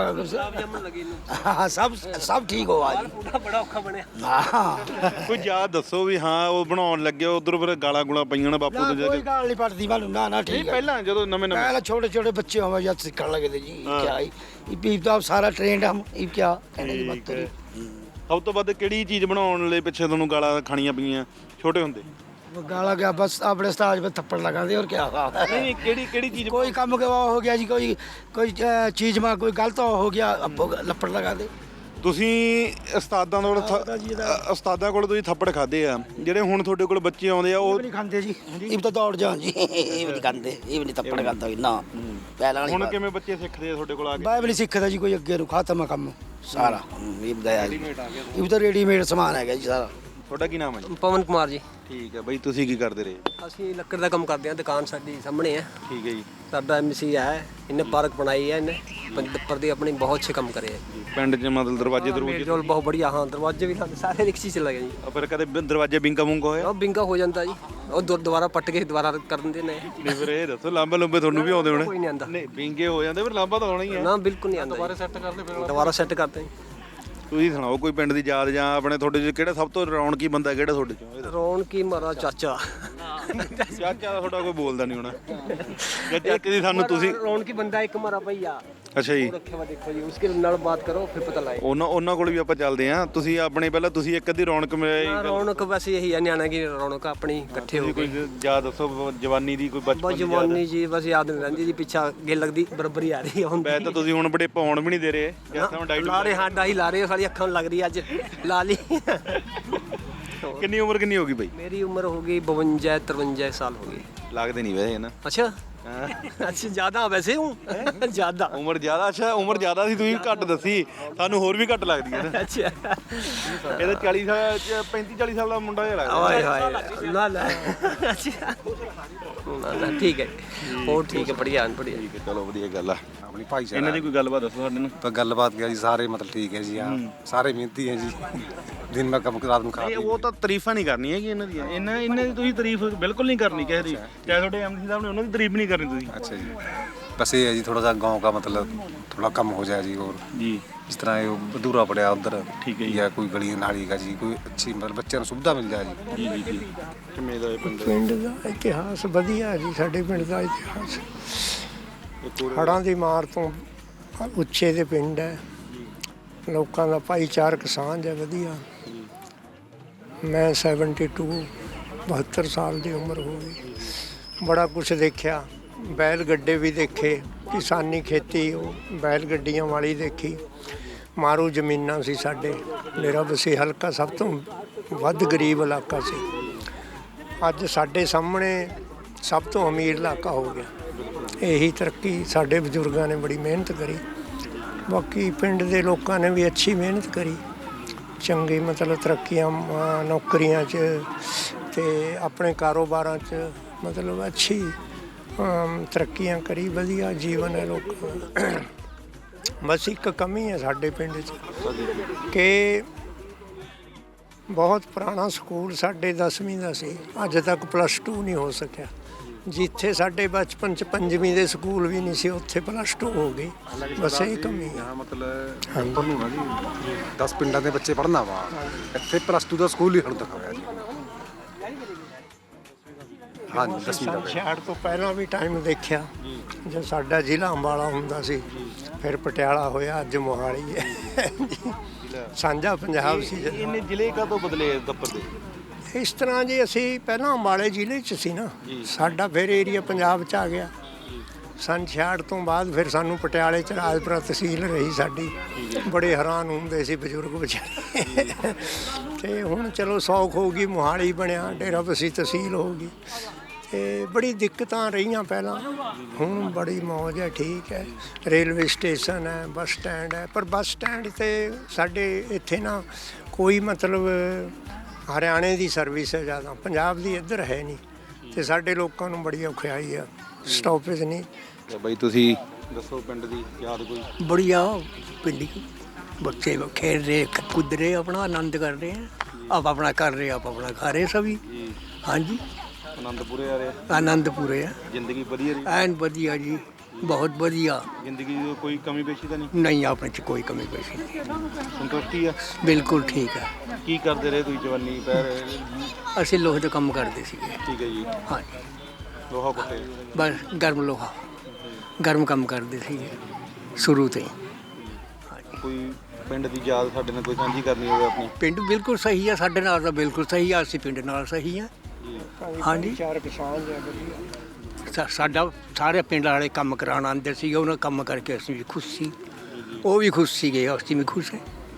ਹਾਂ ਸਭ ਸਭ ਠੀਕ ਹੋਆ ਜੀ। ਬੜਾ ਔਖਾ ਬਣਿਆ। ਹਾਂ ਕੋਈ ਯਾਦ ਦੱਸੋ ਵੀ ਹਾਂ ਉਹ ਬਣਾਉਣ ਲੱਗੇ ਉਧਰ ਫਿਰ ਗਾਲਾਂ ਗੁਲਾਂ ਪਈਆਂ ਨੇ ਬਾਪੂ ਤੋਂ ਜਾ ਕੋਈ ਕੇ? ਗੱਲ ਨਹੀਂ ਪੜਦੀ ਵਾਲੂ, ਨਾ ਨਾ ਨਹੀਂ ਠੀਕ ਹੈ। ਪਹਿਲਾਂ ਜਦੋਂ ਨਵੇਂ ਨਵੇਂ पहले छोटे छोटे बच्चे हमें जब सिखने लगे थे जी, क्या ये तो अब सारा ट्रेंड हम ये क्या कहने की बात करी। ਸਭ ਤੋਂ ਵੱਧ ਕਿਹੜੀ ਚੀਜ਼ ਬਣਾਉਣ ਲਈ ਪਿੱਛੇ ਤੁਹਾਨੂੰ ਗਾਲਾਂ ਖਾਣੀਆਂ ਪਈਆਂ ਛੋਟੇ ਹੁੰਦੇ? वो गाला गया बस अपने स्टाज पे थप्पड़ लगा दे और क्या। ਨਹੀਂ ਕਿਹੜੀ किहड़ी चीज कोई काम के वो हो गया जी, कोई कोई चीज में कोई गलत हो गया, अब वो लपड़ लगा दे। ਤੁਸੀਂ ਉਸਤਾਦਾਂ ਕੋਲ ਥ- ਅ- ਉਸਤਾਦਾਂ ਕੋਲ ਤੁਸੀਂ ਥੱਪੜ ਖਾਦੇ ਆ, ਜਿਹੜੇ ਹੁਣ ਤੁਹਾਡੇ ਕੋਲ ਬੱਚੇ ਆਉਂਦੇ ਆ ये ਉਹ भी नहीं खाते जी, ये भी तो दौड़ जाओ जी, ये भी नहीं खाते, ये भी नहीं थप्पड़ खाता ना पहला ਹੁਣ नहीं। ਕਿਵੇਂ ਬੱਚੇ ਸਿੱਖਦੇ ਆ ਤੁਹਾਡੇ ਕੋਲ ਆ ਕੇ? बाइबल सीखा था जी कोई अगे खाता मैं काम सारा, ये भी गया जी, ये भी तो रेडीमेड सामान है जी सारा। ਤੁਹਾਡਾ ਕੀ ਨਾਮ ਹੈ ਜੀ? ਪਵਨ ਕੁਮਾਰ ਜੀ। ਠੀਕ ਹੈ ਬਾਈ, ਤੁਸੀਂ ਕੀ ਕਰਦੇ ਰਹੇ? ਅਸੀਂ ਲੱਕੜ ਦਾ ਕੰਮ ਕਰਦੇ ਹਾਂ, ਦੁਕਾਨ ਸਾਡੀ ਸਾਹਮਣੇ ਹੈ। ਠੀਕ ਹੈ ਜੀ। ਸਾਡਾ ਐਮਸੀ ਹੈ, ਇਹਨੇ ਪਾਰਕ ਬਣਾਈ ਹੈ, ਇਹਨੇ पंपर ਦੀ ਆਪਣੀ ਬਹੁਤ ਅੱਛੇ ਕੰਮ ਕਰੇ ਹੈ। ਪਿੰਡ 'ਚ ਮਤਲਬ ਦਰਵਾਜ਼ੇ ਦਰਵਾਜ਼ੇ ਮੇਲ ਜੋਲ ਬਹੁਤ ਬੜੀਆ। ਹਾਂ ਦਰਵਾਜ਼ੇ ਵੀ ਸਾਡੇ ਸਾਰੇ ਰਿਕਸ਼ੀ ਚ ਲੱਗੇ ਜੀ। ਫਿਰ ਕਦੇ ਬ- ਦਰਵਾਜ਼ੇ ਬਿੰਕਾ ਬੁੰਕਾ ਹੋਇਆ? ਉਹ ਬਿੰਗਾ ਹੋ ਜਾਂਦਾ ਜੀ, ਉਹ ਦੁ- ਦੁਬਾਰਾ ਪੱਟ ਕੇ ਦੁਬਾਰਾ ਕਰ ਦਿੰਦੇ ਨੇ। ਨਹੀਂ ਫਿਰ ਇਹ ਦੱਸੋ ਲਾਂਬੇ ਲੰਬੇ ਤੁਹਾਨੂੰ ਵੀ ਆਉਂਦੇ ਹੋਣੇ? ਕੋਈ ਨਹੀਂ ਆਉਂਦਾ ਨਹੀਂ ਬਿੰਗੇ ਹੋ ਜਾਂਦੇ ਫਿਰ ਲਾਂਬਾ ਤਾਂ ਆਉਣਾ ਹੀ ਹੈ। ਨਾ, ਬਿਲਕੁਲ ਨਹੀਂ ਆਉਂਦਾ। ਦੁਬਾਰਾ ਸੈੱਟ ਕਰਦੇ ਫਿਰ ਦੁਬਾਰਾ ਸੈੱਟ ਕਰਦੇ। ਤੁਸੀਂ ਸੁਣਾਓ ਕੋਈ ਪਿੰਡ ਦੀ ਯਾਦ ਜਾਂ ਆਪਣੇ ਤੁਹਾਡੇ 'ਚ ਕਿਹੜਾ ਸਭ ਤੋਂ ਰੌਣਕੀ ਬੰਦਾ ਕਿਹੜਾ ਤੁਹਾਡੇ 'ਚੋਂ? ਰੌਣਕੀ ਮਾਰਾ ਚਾਚਾ। ਚਾਚਾ ਤੁਹਾਡਾ ਕੋਈ ਬੋਲਦਾ ਨਹੀਂ ਹੋਣਾ ਜਾਂ ਚਾਚੇ ਦੀ ਸਾਨੂੰ ਤੁਸੀਂ? ਰੌਣਕੀ ਬੰਦਾ ਇੱਕ ਮਾਰਾ ਭਈਆ ਅੱਛਾ ਜੀ, ਰੱਖਿਆ ਵਾ, ਦੇਖੋ ਜੀ ਉਸਕੇ ਨਾਲ ਬਾਤ ਕਰੋ ਫਿਰ ਪਤਾ ਲੱਗੇ। ਉਹਨਾਂ ਉਹਨਾਂ ਕੋਲ ਵੀ ਆਪਾਂ ਚੱਲਦੇ ਆਂ। ਤੁਸੀਂ ਆਪਣੇ ਪਹਿਲਾਂ ਤੁਸੀਂ ਇੱਕ ਅੱਧੀ ਰੌਣਕ ਮਿਲੇ ਨਾ, ਰੌਣਕ ਬਸ ਇਹੀ ਹੈ, ਨਿਆਣਾ ਕੀ ਰੌਣਕ ਆਪਣੀ ਇਕੱਠੇ ਹੋ ਕੋਈ ਕੇ। ਯਾਦ ਦੱਸੋ ਜਵਾਨੀ ਦੀ, ਕੋਈ ਬਚਪਨ ਬਸ ਦੀ ਯਾਦ? ਜਵਾਨੀ ਜੀ ਬਸ ਯਾਦ ਨਹੀਂ ਰਹਿੰਦੀ ਜੀ, ਪਿੱਛਾ ਅੱਗੇ ਲੱਗਦੀ ਬਰਾਬਰ ਹੀ ਆ ਰਹੀ ਹੈ ਹੁਣ। ਵੈਸੇ ਤਾਂ ਤੁਸੀਂ ਹੁਣ ਬੜੇ ਪਾਉਣ ਵੀ ਨਹੀਂ ਦੇ ਰਹੇ ਜੈਸਾ ਡਾਈਟ। ਲਾ ਰਹੇ ਹਾਂ, ਡਾਈ ਲਾ ਰਹੇ, ਸਾਡੀ ਅੱਖਾਂ ਨੂੰ ਲੱਗ ਰਹੀ ਅੱਜ ਲਾ ਲਈ। ਕਿੰਨੀ ਉਮਰ ਕਿੰਨੀ ਹੋ ਗਈ ਬਾਈ? ਮੇਰੀ ਉਮਰ ਹੋ ਗਈ ਬਵੰਜਾ ਤਰਵੰਜਾ ਸਾਲ ਹੋ ਗਈ। ਲੱਗਦੇ ਨਹੀਂ ਵੈਸੇ ਨਾ। ਅੱਛਾ ਅੱਛਾ ਜ਼ਿਆਦਾ ਵੈਸੇ ਹੂੰ ਜ਼ਿਆਦਾ ਉਮਰ ਜ਼ਿਆਦਾ? ਅੱਛਾ ਉਮਰ ਜ਼ਿਆਦਾ ਸੀ, ਤੁਸੀਂ ਘੱਟ ਦੱਸੀ, ਸਾਨੂੰ ਹੋਰ ਵੀ ਘੱਟ ਲੱਗਦੀ ਹੈ ਨਾ। ਅੱਛਾ ਇਹਦਾ ਚਾਲੀ ਸਾਲ ਪੈਂਤੀ ਚਾਲੀ ਸਾਲ ਦਾ ਮੁੰਡਾ ਜਿਹਾ ਲੱਗਦਾ। ਓਏ ਹੋਏ ਲਾ ਲਾ। ਅੱਛਾ ਨਾ ਨਾ ਠੀਕ ਹੈ, ਹੋਰ ਠੀਕ ਹੈ, ਬੜੀਆ ਬੜੀਆ। ਠੀਕ ਹੈ, ਚਲੋ ਵਧੀਆ ਗੱਲ ਆ। ਆਪਣੀ ਭਾਈਚਾਰਾ ਇਹਨਾਂ ਦੀ ਕੋਈ ਗੱਲਬਾਤ ਦੱਸੋ ਸਾਡੇ ਨੂੰ। ਤਾਂ ਗੱਲਬਾਤ ਗਿਆ ਜੀ, ਸਾਰੇ ਮਤਲਬ ਠੀਕ ਹੈ ਜੀ, ਹਾਂ ਸਾਰੇ ਮਿਹਨਤੀ ਹੈ ਜੀ, ਦਿਨ ਮੈਂ ਕੰਮ ਰਾਤ ਨੂੰ ਖਾ ਨਹੀਂ ਪੀ ਉਹ ਤਾਂ ਤਾਰੀਫਾਂ ਨਹੀਂ ਕਰਨੀ ਹੈਗੀ ਇਹਨਾਂ ਦੀਆਂ, ਇਹਨਾਂ ਇਹਨਾਂ ਦੀ ਤੁਸੀਂ ਤਾਰੀਫ ਬਿਲਕੁਲ ਨਹੀਂ ਕਰਨੀ ਕਿਸੇ ਦੀ, ਚਾਹੇ ਤੁਹਾਡੇ ਐਮਸੀ ਸਾਹਿਬ ਨੇ ਉਹਨਾਂ ਦੀ ਤਾਰੀਫ ਨਹੀਂ ਕਰਨੀ ਤੁਸੀਂ। अच्छा जी, बस ये है जी थोड़ा सा गांव का मतलब थोड़ा कम हो जाए जी, और जी जिस तरह ये अधूरा पड़ा उधर ठीक है जी। या कोई गली नाली का जी, कोई अच्छी मतलब बच्चों को सुविधा मिल जाए जी। ਜੀ ਜੀ ਜੀ ਕਿਵੇਂ ਦਾ ਇਹ ਪਿੰਡ? ਪਿੰਡ ਦਾ ਇਤਿਹਾਸ ਵਧੀਆ ਜੀ, ਸਾਡੇ ਪਿੰਡ ਦਾ ਇਤਿਹਾਸ ਹੜ੍ਹਾਂ ਦੀ ਮਾਰ ਤੋਂ ਉੱਚੇ ਦੇ ਪਿੰਡ ਹੈ, ਲੋਕਾਂ ਦਾ ਭਾਈਚਾਰਕ ਸਾਂਝ ਹੈ ਵਧੀਆ। ਮੈਂ ਸੈਵਨਟੀ ਟੂ ਬਹੱਤਰ ਸਾਲ ਦੀ ਉਮਰ ਹੋ ਗਈ, ਬੜਾ ਕੁਛ ਦੇਖਿਆ, ਬੈਲ ਗੱਡੇ ਵੀ ਦੇਖੇ, ਕਿਸਾਨੀ ਖੇਤੀ ਉਹ ਬੈਲ ਗੱਡੀਆਂ ਵਾਲੀ ਦੇਖੀ, ਮਾਰੂ ਜ਼ਮੀਨਾਂ ਸੀ ਸਾਡੇ। ਮੇਰਾ ਬਸੀ ਹਲਕਾ ਸਭ ਤੋਂ ਵੱਧ ਗਰੀਬ ਇਲਾਕਾ ਸੀ। ਅੱਜ ਸਾਡੇ ਸਾਹਮਣੇ ਸਭ ਤੋਂ ਅਮੀਰ ਇਲਾਕਾ ਹੋ ਗਿਆ। ਇਹੀ ਤਰੱਕੀ ਸਾਡੇ ਬਜ਼ੁਰਗਾਂ ਨੇ ਬੜੀ ਮਿਹਨਤ ਕਰੀ। ਬਾਕੀ ਪਿੰਡ ਦੇ ਲੋਕਾਂ ਨੇ ਵੀ ਅੱਛੀ ਮਿਹਨਤ ਕਰੀ, ਚੰਗੀ ਮਤਲਬ ਤਰੱਕੀਆਂ ਅਮ, ਨੌਕਰੀਆਂ 'ਚ ਤੇ ਆਪਣੇ ਕਾਰੋਬਾਰਾਂ 'ਚ ਮਤਲਬ ਅੱਛੀ ਅਮ, ਤਰੱਕੀਆਂ ਕਰੀ। ਵਧੀਆ ਜੀਵਨ ਹੈ ਲੋਕਾਂ ਦਾ। ਬਸ ਇੱਕ ਕਮੀ ਹੈ ਸਾਡੇ ਪਿੰਡ 'ਚ ਕਿ ਬਹੁਤ ਪੁਰਾਣਾ ਸਕੂਲ ਸਾਡੇ ਦਸਵੀਂ ਦਾ ਸੀ, ਅੱਜ ਤੱਕ ਪਲੱਸ ਟੂ ਨਹੀਂ ਹੋ ਸਕਿਆ। ਜਿੱਥੇ ਸਾਡੇ ਬਚਪਨ 'ਚ ਪੰਜਵੀਂ ਦੇ ਸਕੂਲ ਵੀ ਨਹੀਂ ਸੀ, ਉੱਥੇ ਪਲੱਸ ਟੂ ਹੋ ਗਈ। ਬਸ ਇਹ ਕਮੀ ਹੈ। ਮਤਲਬ ਉੱਪਰ ਨੂੰ ਨਾ ਜੀ ਦਸ ਪਿੰਡਾਂ ਦੇ ਬੱਚੇ ਪੜ੍ਹਨਾ ਵਾ, ਇੱਥੇ ਪਲੱਸ ਟੂ ਦਾ ਸਕੂਲ ਹੀ ਹੁਣ ਤੱਕ ਹੋਇਆ ਜੀ। ਹਾਂਜੀ ਦਸਵੀਂ ਦਾ ਸ਼ਹਿਰ ਤੋਂ ਪਹਿਲਾਂ ਵੀ ਟਾਈਮ ਦੇਖਿਆ ਜਦ ਸਾਡਾ ਜ਼ਿਲ੍ਹਾ ਅੰਬਾਲਾ ਹੁੰਦਾ ਸੀ, ਫਿਰ ਪਟਿਆਲਾ ਹੋਇਆ, ਅੱਜ ਮੋਹਾਲੀ ਹੈ। ਸਾਂਝਾ ਪੰਜਾਬ ਸੀ ਜਦੋਂ। ਇਹਨੇ ਜ਼ਿਲ੍ਹੇ ਕਦੋਂ ਬਦਲੇ ਦੱਪਰ ਦੇ? ਇਸ ਤਰ੍ਹਾਂ ਜੀ ਅਸੀਂ ਪਹਿਲਾਂ ਅੰਬਾਲੇ ਜ਼ਿਲ੍ਹੇ 'ਚ ਸੀ ਨਾ, ਸਾਡਾ ਫਿਰ ਏਰੀਆ ਪੰਜਾਬ 'ਚ ਆ ਗਿਆ। ਸੰਨ ਛਿਆਹਠ ਤੋਂ ਬਾਅਦ ਫਿਰ ਸਾਨੂੰ ਪਟਿਆਲੇ 'ਚ ਰਾਜਪੁਰਾ ਤਹਿਸੀਲ ਰਹੀ ਸਾਡੀ। ਬੜੇ ਹੈਰਾਨ ਹੁੰਦੇ ਸੀ ਬਜ਼ੁਰਗ ਵਿਚਾਰੇ। ਤੇ ਹੁਣ ਚਲੋ ਸੌਖ ਹੋ ਗਈ, ਮੋਹਾਲੀ ਬਣਿਆ, ਡੇਰਾ ਬਸੀ ਤਹਿਸੀਲ ਹੋ ਗਈ। ਤੇ ਬੜੀ ਦਿੱਕਤਾਂ ਰਹੀਆਂ ਪਹਿਲਾਂ, ਹੁਣ ਬੜੀ ਮੌਜ ਹੈ, ਠੀਕ ਹੈ। ਰੇਲਵੇ ਸਟੇਸ਼ਨ ਹੈ, ਬੱਸ ਸਟੈਂਡ ਹੈ, ਪਰ ਬੱਸ ਸਟੈਂਡ 'ਤੇ ਸਾਡੇ ਇੱਥੇ ਨਾ ਕੋਈ ਮਤਲਬ ਹਰਿਆਣੇ ਦੀ ਸਰਵਿਸ ਹੈ ਜ਼ਿਆਦਾ, ਪੰਜਾਬ ਦੀ ਇੱਧਰ ਹੈ ਨਹੀਂ। ਤੇ ਸਾਡੇ ਲੋਕਾਂ ਨੂੰ ਬੜੀ ਔਖਿਆਈ ਆ, ਸਟਾਪੇਜ ਨਹੀਂ। ਬਈ ਤੁਸੀਂ ਦੱਸੋ ਪਿੰਡ ਦੀ ਯਾਦ ਕੋਈ? बढ़िया पिंडी बच्चे खेल रहे कूद रहे, अपना आनंद कर रहे हैं। आप अपना कर रहे, आप अपना खा रहे सभी। हाँ जी ਆਨੰਦ ਪੂਰੇ ਆ ਰਿਹਾ? आनंद पूरे है, ਜ਼ਿੰਦਗੀ ਵਧੀਆ ਰਹੀ? एन बढ़िया जी, बहुत बढ़िया। ਜ਼ਿੰਦਗੀ ਦੀ ਕੋਈ ਕਮੀ ਪੇਸ਼ੀ ਤਾਂ ਨਹੀਂ? नहीं अपने च कोई कमी पेशी नहीं, ਸੰਤੁਸ਼ਟੀ ਆ? बिल्कुल ठीक है। ਕੀ ਕਰਦੇ ਰਹੇ ਤੁਸੀਂ ਜਵਾਨੀ ਪੈਰ? ਅਸੀਂ ਲੋਹੇ ਦਾ ਕੰਮ ਕਰਦੇ ਸੀਗੇ। ਠੀਕ ਹੈ ਜੀ। ਹਾਂ, ਲੋਹਾ ਕੁੱਟੇ? ਬਸ ਗਰਮ ਲੋਹਾ, ਗਰਮ ਕੰਮ ਕਰਦੇ ਸੀਗੇ ਸ਼ੁਰੂ ਤੋਂ ਹੀ। ਕੋਈ ਪਿੰਡ ਦੀ ਯਾਦ ਸਾਡੇ ਨਾਲ ਕੋਈ ਸਾਂਝੀ ਕਰਨੀ ਹੋਵੇ ਆਪਣੀ? ਪਿੰਡ ਬਿਲਕੁਲ ਸਹੀ ਹੈ, ਸਾਡੇ ਨਾਲ ਤਾਂ ਬਿਲਕੁਲ ਸਹੀ ਆ, ਅਸੀਂ ਪਿੰਡ ਨਾਲ ਸਹੀ ਆ। ਹਾਂਜੀ ਚਾਰ ਕਿਸਾਨ ਹੈ ਵਧੀਆ। ਸਾ- ਸਾਡਾ ਸਾਰੇ ਪਿੰਡ ਵਾਲੇ ਕੰਮ ਕਰਾਉਣ ਆਉਂਦੇ ਸੀਗੇ, ਉਹਨਾਂ ਕੰਮ ਕਰਕੇ ਅਸੀਂ ਵੀ ਖੁਸ਼ ਸੀ, ਉਹ ਵੀ ਖੁਸ਼ ਸੀਗੇ, ਅਸੀਂ ਵੀ ਖੁਸ਼ ਹੈ।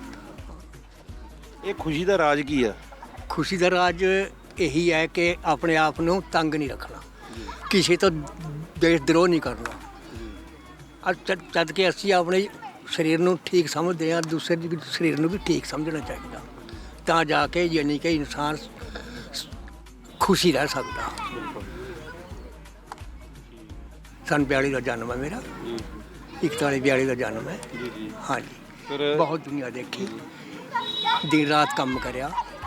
ਇਹ ਖੁਸ਼ੀ ਦਾ ਰਾਜ ਕੀ ਆ? ਖੁਸ਼ੀ ਦਾ ਰਾਜ ਇਹੀ ਹੈ ਕਿ ਆਪਣੇ ਆਪ ਨੂੰ ਤੰਗ ਨਹੀਂ ਰੱਖਣਾ, ਕਿਸੇ ਤੋਂ ਦੇਸ਼ ਦਰੋਹ ਨਹੀਂ ਕਰਨਾ। ਅੱਜ ਜਦ- ਜਦ ਕਿ ਅਸੀਂ ਆਪਣੇ ਸਰੀਰ ਨੂੰ ਠੀਕ ਸਮਝਦੇ ਹਾਂ, ਦੂਸਰੇ ਦੇ ਸਰੀਰ ਨੂੰ ਵੀ ਠੀਕ ਸਮਝਣਾ ਚਾਹੀਦਾ, ਤਾਂ ਜਾ ਕੇ ਯਾਨੀ ਕਿ ਇਨਸਾਨ ਖੁਸ਼ੀ ਰਹਿ ਸਕਦਾ। ਸੰਨ ਬਿਆਲੀ ਦਾ ਜਨਮ ਹੈ ਮੇਰਾ, ਇਕਤਾਲੀ ਬਿਆਲੀ ਦਾ ਜਨਮ ਹੈ। ਹਾਂਜੀ, ਬਹੁਤ ਦੁਨੀਆ ਦੇਖੀ, ਦਿਨ ਰਾਤ ਕੰਮ ਕਰਿਆ।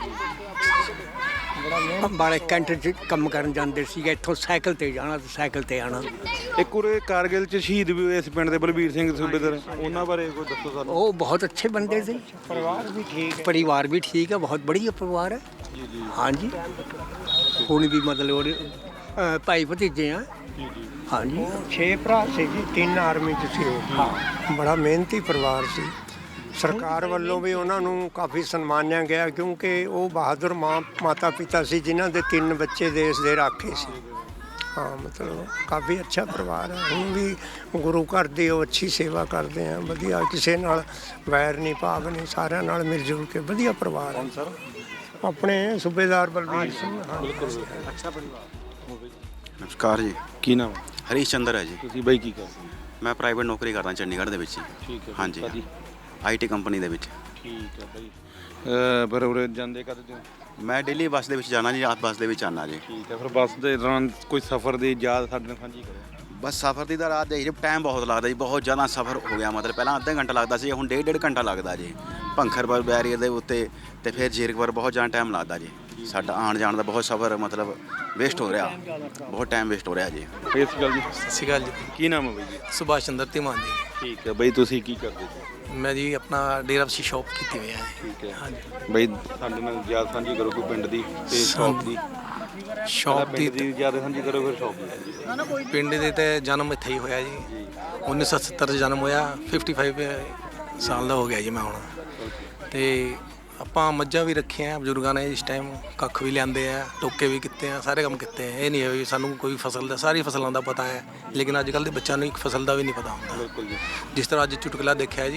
ਅੰਬਾਲੇ ਕੈਂਟ 'ਚ ਕੰਮ ਕਰਨ ਜਾਂਦੇ ਸੀਗੇ, ਇੱਥੋਂ ਸਾਈਕਲ ਤੇ ਜਾਣਾ ਤੇ ਸਾਈਕਲ ਤੇ ਆਉਣਾ। ਇੱਕ ਉਰੇ ਕਾਰਗਿਲ ਚ ਸ਼ਹੀਦ ਵੀ ਹੋਏ ਇਸ ਪਿੰਡ ਦੇ ਬਲਬੀਰ ਸਿੰਘ ਸੂਬੇਦਾਰ, ਉਹਨਾਂ ਬਾਰੇ ਕੋਈ ਦੱਸੋ ਸਾਨੂੰ। ਉਹ ਬਹੁਤ ਅੱਛੇ ਬੰਦੇ ਸੀ, ਪਰਿਵਾਰ ਵੀ ਠੀਕ ਹੈ। ਪਰਿਵਾਰ ਵੀ ਠੀਕ ਹੈ, ਬਹੁਤ ਬੜੀਆ ਪਰਿਵਾਰ ਹੈ। ਹਾਂਜੀ, ਹੁਣ ਵੀ ਮਤਲਬ ਉਹਦੇ, ਅ, ਭਾਈ ਭਤੀਜੇ ਆ। ਹਾਂਜੀ, ਛੇ ਭਰਾ ਸੀ ਜੀ, ਤਿੰਨ ਆਰਮੀ 'ਚ ਸੀ ਉਹ। ਬੜਾ ਮਿਹਨਤੀ ਪਰਿਵਾਰ ਸੀ। ਸਰਕਾਰ ਵੱਲੋਂ ਵੀ ਉਹਨਾਂ ਨੂੰ ਕਾਫੀ ਸਨਮਾਨਿਆ ਗਿਆ, ਕਿਉਂਕਿ ਉਹ ਬਹਾਦਰ ਮਾਂ ਮਾਤਾ ਪਿਤਾ ਸੀ ਜਿਨ੍ਹਾਂ ਦੇ ਤਿੰਨ ਬੱਚੇ ਦੇਸ਼ ਦੇ ਰਾਖੇ ਸੀ। ਹਾਂ, ਮਤਲਬ ਕਾਫੀ ਅੱਛਾ ਪਰਿਵਾਰ ਹੈ। ਹੁਣ ਵੀ ਗੁਰੂ ਘਰ ਦੀ ਉਹ ਅੱਛੀ ਸੇਵਾ ਕਰਦੇ ਆ, ਵਧੀਆ, ਕਿਸੇ ਨਾਲ ਵੈਰ ਨਹੀਂ ਭਾਵ ਨਹੀਂ, ਸਾਰਿਆਂ ਨਾਲ ਮਿਲ ਜੁਲ ਕੇ ਵਧੀਆ ਪਰਿਵਾਰ ਹੈ। ਆਪਣੇ ਸੂਬੇਦਾਰ ਬਲਬੀਰ ਸਿੰਘ। ਹਾਂ, ਅੱਛਾ ਪਰਿਵਾਰ। ਨਮਸਕਾਰ ਜੀ, ਕੀ ਨਾਮ? ਹਰੀਸ਼ ਚੰਦਰ ਹੈ ਜੀ। ਤੁਸੀਂ ਬਾਈ ਕੀ ਕਰਦੇ? ਮੈਂ ਪ੍ਰਾਈਵੇਟ ਨੌਕਰੀ ਕਰਦਾ ਚੰਡੀਗੜ੍ਹ ਦੇ ਵਿੱਚ। ਠੀਕ ਹੈ। ਹਾਂਜੀ, ਕਾਹਦੀ? ਆਈ ਟੀ ਕੰਪਨੀ ਦੇ ਵਿੱਚ। ਠੀਕ ਹੈ ਬਾਈ। ਅਹ ਪਰ ਉਰੇ ਜਾਂਦੇ ਕਦ ਤੋਂ? ਮੈਂ ਡੇਲੀ ਬੱਸ ਦੇ ਵਿੱਚ ਜਾਣਾ ਜੀ, ਰਾਤ ਬੱਸ ਦੇ ਵਿੱਚ ਆਉਣਾ ਜੀ। ਠੀਕ ਹੈ। ਫਿਰ ਬੱਸ ਦੇ ਦੌਰਾਨ ਕੋਈ ਸਫ਼ਰ ਦੀ ਯਾਦ ਸਾਡੇ ਨਾਲ ਸਾਂਝੀ ਕਰੋ। ਬਸ ਸਫ਼ਰ ਦੀ ਤਾਂ ਰਾਤ ਦੇ ਜੀ ਟਾਈਮ ਬਹੁਤ ਲੱਗਦਾ ਜੀ, ਬਹੁਤ ਜ਼ਿਆਦਾ ਸਫ਼ਰ ਹੋ ਗਿਆ। ਮਤਲਬ ਪਹਿਲਾਂ ਅੱਧਾ ਘੰਟਾ ਲੱਗਦਾ ਸੀ, ਹੁਣ ਡੇਢ ਡੇਢ ਘੰਟਾ ਲੱਗਦਾ ਜੀ। ਭੰਖਰਪੁਰ ਬੈਰੀਅਰ ਦੇ ਉੱਤੇ ਤੇ ਫਿਰ ਜੀਰਕਪੁਰ ਬਹੁਤ ਜ਼ਿਆਦਾ ਟਾਈਮ ਲੱਗਦਾ ਜੀ। ਸਾਡਾ ਆਉਣ ਜਾਣ ਦਾ ਬਹੁਤ ਸਫ਼ਰ ਮਤਲਬ ਵੇਸਟ ਹੋ ਰਿਹਾ, ਬਹੁਤ ਟਾਈਮ ਵੇਸਟ ਹੋ ਰਿਹਾ ਜੀ। ਇਸ ਗੱਲ ਜੀ। ਸਤਿ ਸ਼੍ਰੀ ਅਕਾਲ ਜੀ। ਕੀ ਨਾਮ ਹੈ ਬਾਈ ਜੀ? ਸੁਭਾਸ਼ ਚੰਦਰ ਧੀਮਾਨ ਜੀ। ਠੀਕ ਹੈ ਬਾਈ, ਤੁਸੀਂ ਕੀ ਕਰਦੇ ਸੀ? ਮੈਂ ਜੀ ਆਪਣਾ ਡੇਰਾ ਬਸੀ ਸ਼ੌਪ ਕੀਤੀ ਹੋਈ ਹੈ। ਠੀਕ ਹੈ। ਹਾਂਜੀ, ਬਾਈ ਸਾਡੇ ਨਾਲ ਯਾਦ ਸਾਂਝੀ ਕਰੋ ਕੋਈ ਪਿੰਡ ਦੀ ਤੇ ਸ਼ੌਪ ਦੀ। ਸ਼ੌਪ ਦੀ ਪਿੰਡ ਦੀ ਯਾਦ ਸਾਂਝੀ ਕਰੋ, ਫਿਰ ਸ਼ੌਪ ਦੀ। ਪਿੰਡ ਦੇ ਤੇ ਜਨਮ ਇੱਥੇ ਹੀ ਹੋਇਆ ਜੀ। ਉੱਨੀ ਸੌ ਸੱਤਰ 'ਚ ਜਨਮ ਹੋਇਆ, ਪਚਪਨ ਸਾਲ ਦਾ ਹੋ ਗਿਆ ਜੀ ਮੈਂ ਹੁਣ। ਤੇ ਆਪਾਂ ਮੱਝਾਂ ਵੀ ਰੱਖੀਆਂ ਬਜ਼ੁਰਗਾਂ ਨੇ ਇਸ ਟਾਈਮ, ਕੱਖ ਵੀ ਲਿਆਂਦੇ ਆ, ਟੋਕੇ ਵੀ ਕੀਤੇ ਆ, ਸਾਰੇ ਕੰਮ ਕੀਤੇ ਆ। ਇਹ ਨਹੀਂ ਹੈ ਵੀ ਸਾਨੂੰ ਕੋਈ ਫਸਲ ਦਾ, ਸਾਰੀ ਫਸਲਾਂ ਦਾ ਪਤਾ ਹੈ, ਲੇਕਿਨ ਅੱਜ ਕੱਲ੍ਹ ਦੇ ਬੱਚਿਆਂ ਨੂੰ ਇੱਕ ਫਸਲ ਦਾ ਵੀ ਨਹੀਂ ਪਤਾ ਹੁੰਦਾ। ਬਿਲਕੁਲ ਜੀ। ਜਿਸ ਤਰ੍ਹਾਂ ਅੱਜ ਚੁਟਕਲਾ ਦੇਖਿਆ ਜੀ,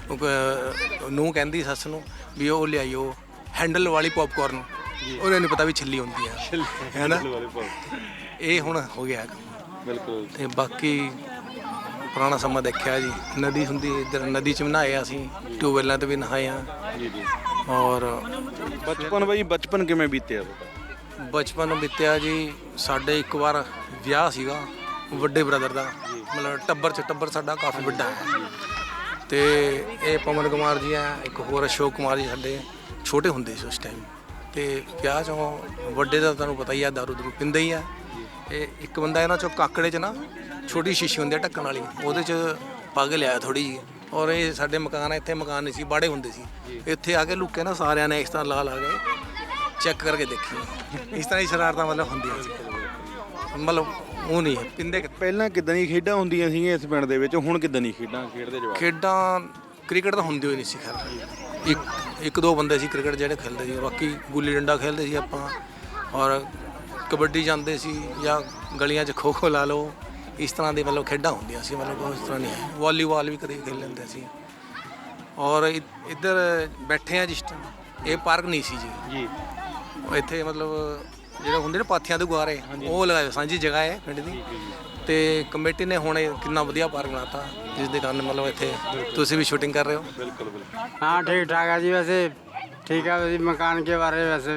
ਨੂੰ ਕਹਿੰਦੀ ਸੱਸ ਨੂੰ ਵੀ ਉਹ ਲਿਆਈਓ ਹੈਂਡਲ ਵਾਲੀ ਪੌਪਕਾਰਨ, ਉਹਨੂੰ ਨਹੀਂ ਪਤਾ ਵੀ ਛਿੱਲੀ ਹੁੰਦੀ ਆ, ਹੈ ਨਾ। ਇਹ ਹੁਣ ਹੋ ਗਿਆ ਬਿਲਕੁਲ। ਤੇ ਬਾਕੀ ਪੁਰਾਣਾ ਸਮਾਂ ਦੇਖਿਆ ਜੀ, ਨਦੀ ਹੁੰਦੀ ਇੱਧਰ, ਨਦੀ 'ਚ ਵੀ ਨਹਾਏ ਅਸੀਂ, ਟਿਊਬਵੈਲਾਂ 'ਤੇ ਵੀ ਨਹਾਏ ਆ ਜੀ ਜੀ। ਔਰ ਬਚਪਨ ਬਾਈ ਬਚਪਨ ਕਿਵੇਂ ਬੀਤਿਆ? ਬਚਪਨ ਬੀਤਿਆ ਜੀ, ਸਾਡੇ ਇੱਕ ਵਾਰ ਵਿਆਹ ਸੀਗਾ ਵੱਡੇ ਬ੍ਰਦਰ ਦਾ, ਮਤਲਬ ਟੱਬਰ 'ਚ ਟੱਬਰ ਸਾਡਾ ਕਾਫੀ ਵੱਡਾ ਹੈ। ਤੇ ਇਹ ਪਵਨ ਕੁਮਾਰ ਜੀ ਆ, ਇੱਕ ਹੋਰ ਅਸ਼ੋਕ ਕੁਮਾਰ ਜੀ, ਸਾਡੇ ਛੋਟੇ ਹੁੰਦੇ ਸੀ ਉਸ ਟਾਈਮ। ਤੇ ਵਿਆਹ 'ਚੋਂ ਵੱਡੇ ਦਾ ਤੁਹਾਨੂੰ ਪਤਾ ਹੀ ਆ, ਦਾਰੂ ਦਰੂ ਪੀਂਦੇ ਹੀ ਆ। ਇਹ ਇੱਕ ਬੰਦਾ ਇਹਨਾਂ 'ਚੋਂ ਕਾਕੜੇ 'ਚ ਨਾ ਛੋਟੀ ਸ਼ੀਸ਼ੀ ਹੁੰਦੀ ਆ ਢੱਕਣ ਵਾਲੀ, ਉਹਦੇ 'ਚ ਪੱਗ ਲਿਆ ਥੋੜ੍ਹੀ ਜਿਹੀ। ਔਰ ਇਹ ਸਾਡੇ ਮਕਾਨ, ਇੱਥੇ ਮਕਾਨ ਨਹੀਂ ਸੀ, ਬਾੜੇ ਹੁੰਦੇ ਸੀ, ਇੱਥੇ ਆ ਕੇ ਲੁੱਕੇ ਨਾ ਸਾਰਿਆਂ ਨੇ ਇਸ ਤਰ੍ਹਾਂ ਲਾ ਲਾ ਕੇ ਚੈੱਕ ਕਰਕੇ ਦੇਖੀ। ਇਸ ਤਰ੍ਹਾਂ ਦੀ ਸ਼ਰਾਰਤਾਂ ਮਤਲਬ ਹੁੰਦੀਆਂ ਸੀ, ਮਤਲਬ ਉਹ ਨਹੀਂ ਪਿੰਦੇ। ਪਹਿਲਾਂ ਕਿੱਦਾਂ ਦੀਆਂ ਖੇਡਾਂ ਹੁੰਦੀਆਂ ਸੀਗੀਆਂ ਇਸ ਪਿੰਡ ਦੇ ਵਿੱਚ, ਹੁਣ ਕਿੱਦਾਂ ਦੀਆਂ ਖੇਡਾਂ ਖੇਡਦੇ ਜਵਾਕ? ਖੇਡਾਂ ਕ੍ਰਿਕਟ ਤਾਂ ਹੁੰਦੀ ਹੋਈ ਨਹੀਂ ਸੀ ਖੈਰ, ਇੱਕ ਇੱਕ ਦੋ ਬੰਦੇ ਸੀ ਕ੍ਰਿਕਟ ਜਿਹੜੇ ਖੇਡਦੇ ਸੀ, ਬਾਕੀ ਗੁੱਲੀ ਡੰਡਾ ਖੇਡਦੇ ਸੀ ਆਪਾਂ, ਔਰ ਕਬੱਡੀ ਜਾਂਦੇ ਸੀ, ਜਾਂ ਗਲੀਆਂ 'ਚ ਖੋ ਖੋ ਲਾ ਲਓ, ਇਸ ਤਰ੍ਹਾਂ ਦੀ ਮਤਲਬ ਖੇਡਾਂ ਹੁੰਦੀਆਂ ਸੀ, ਮਤਲਬ ਉਸ ਤਰ੍ਹਾਂ ਨਹੀਂ ਹੈ। ਵਾਲੀਬਾਲ ਵੀ ਕਦੇ ਖੇਡ ਲੈਂਦੇ ਸੀ। ਔਰ ਇੱਧਰ ਬੈਠੇ ਆ ਜਿਸ ਟਾਈਮ, ਇਹ ਪਾਰਕ ਨਹੀਂ ਸੀ ਜੀ ਜੀ, ਇੱਥੇ ਮਤਲਬ ਜਿਹੜੇ ਹੁੰਦੇ ਨੇ ਪਾਥੀਆਂ ਦੇ ਗੁਆਰੇ, ਉਹ ਲਗਾਏ ਸਾਂਝੀ ਜਗ੍ਹਾ ਹੈ ਪਿੰਡ ਦੀ, ਤੇ ਕਮੇਟੀ ਨੇ ਹੁਣ ਕਿੰਨਾ ਵਧੀਆ ਪਾਰਕ ਬਣਾਤਾ, ਜਿਸ ਦੇ ਕਾਰਨ ਮਤਲਬ ਇੱਥੇ ਤੁਸੀਂ ਵੀ ਸ਼ੂਟਿੰਗ ਕਰ ਰਹੇ ਹੋ। ਬਿਲਕੁਲ ਬਿਲकुल। हाँ ठीक ठाक है जी, वैसे ठीक है जी। मकान के बारे में वैसे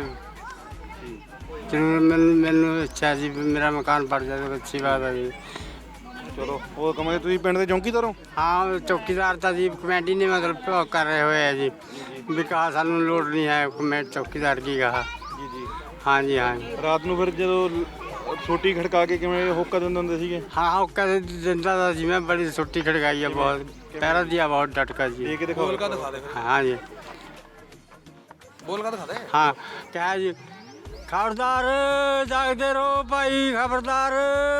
जरूर मैंने इच्छा जी मेरा मकान पड़ जाए तो अच्छी बात है जी। ਚਲੋ ਹੋਰ ਕਮਾਂਗੇ। ਤੁਸੀਂ ਪਿੰਡ ਦੇ ਚੌਂਕੀਦਾਰ ਹੋ? हाँ चौकीदार था जी, कमेटी ने मतलब वो कर रहे हुए है जी, विकास सानू लोड़ नहीं है कमेटी चौकीदार की कहा। ਜੀ ਜੀ। हाँ जी हाँ जी। ਰਾਤ ਨੂੰ ਫਿਰ ਜਦੋਂ ਛੋਟੀ ਖੜਕਾ ਕੇ ਕਿਵੇਂ ਹੋਕਾ ਦਿੰਦੇ ਹੁੰਦੇ ਸੀਗੇ? हाँ हाँ कैसे जिंदा था जी, मैं बड़ी छुट्टी खड़काई है, बहुत पैरा दिया, बहुत डटका जी। ਇਹ ਦਿਖਾਓ। ਬੋਲ ਕਾ ਦਿਖਾ ਦੇ ਫਿਰ, हाँ जी ਬੋਲ ਕਾ ਦਿਖਾ ਦੇ। हाँ क्या है जी, खबरदार जागते रहो भाई, खबरदार।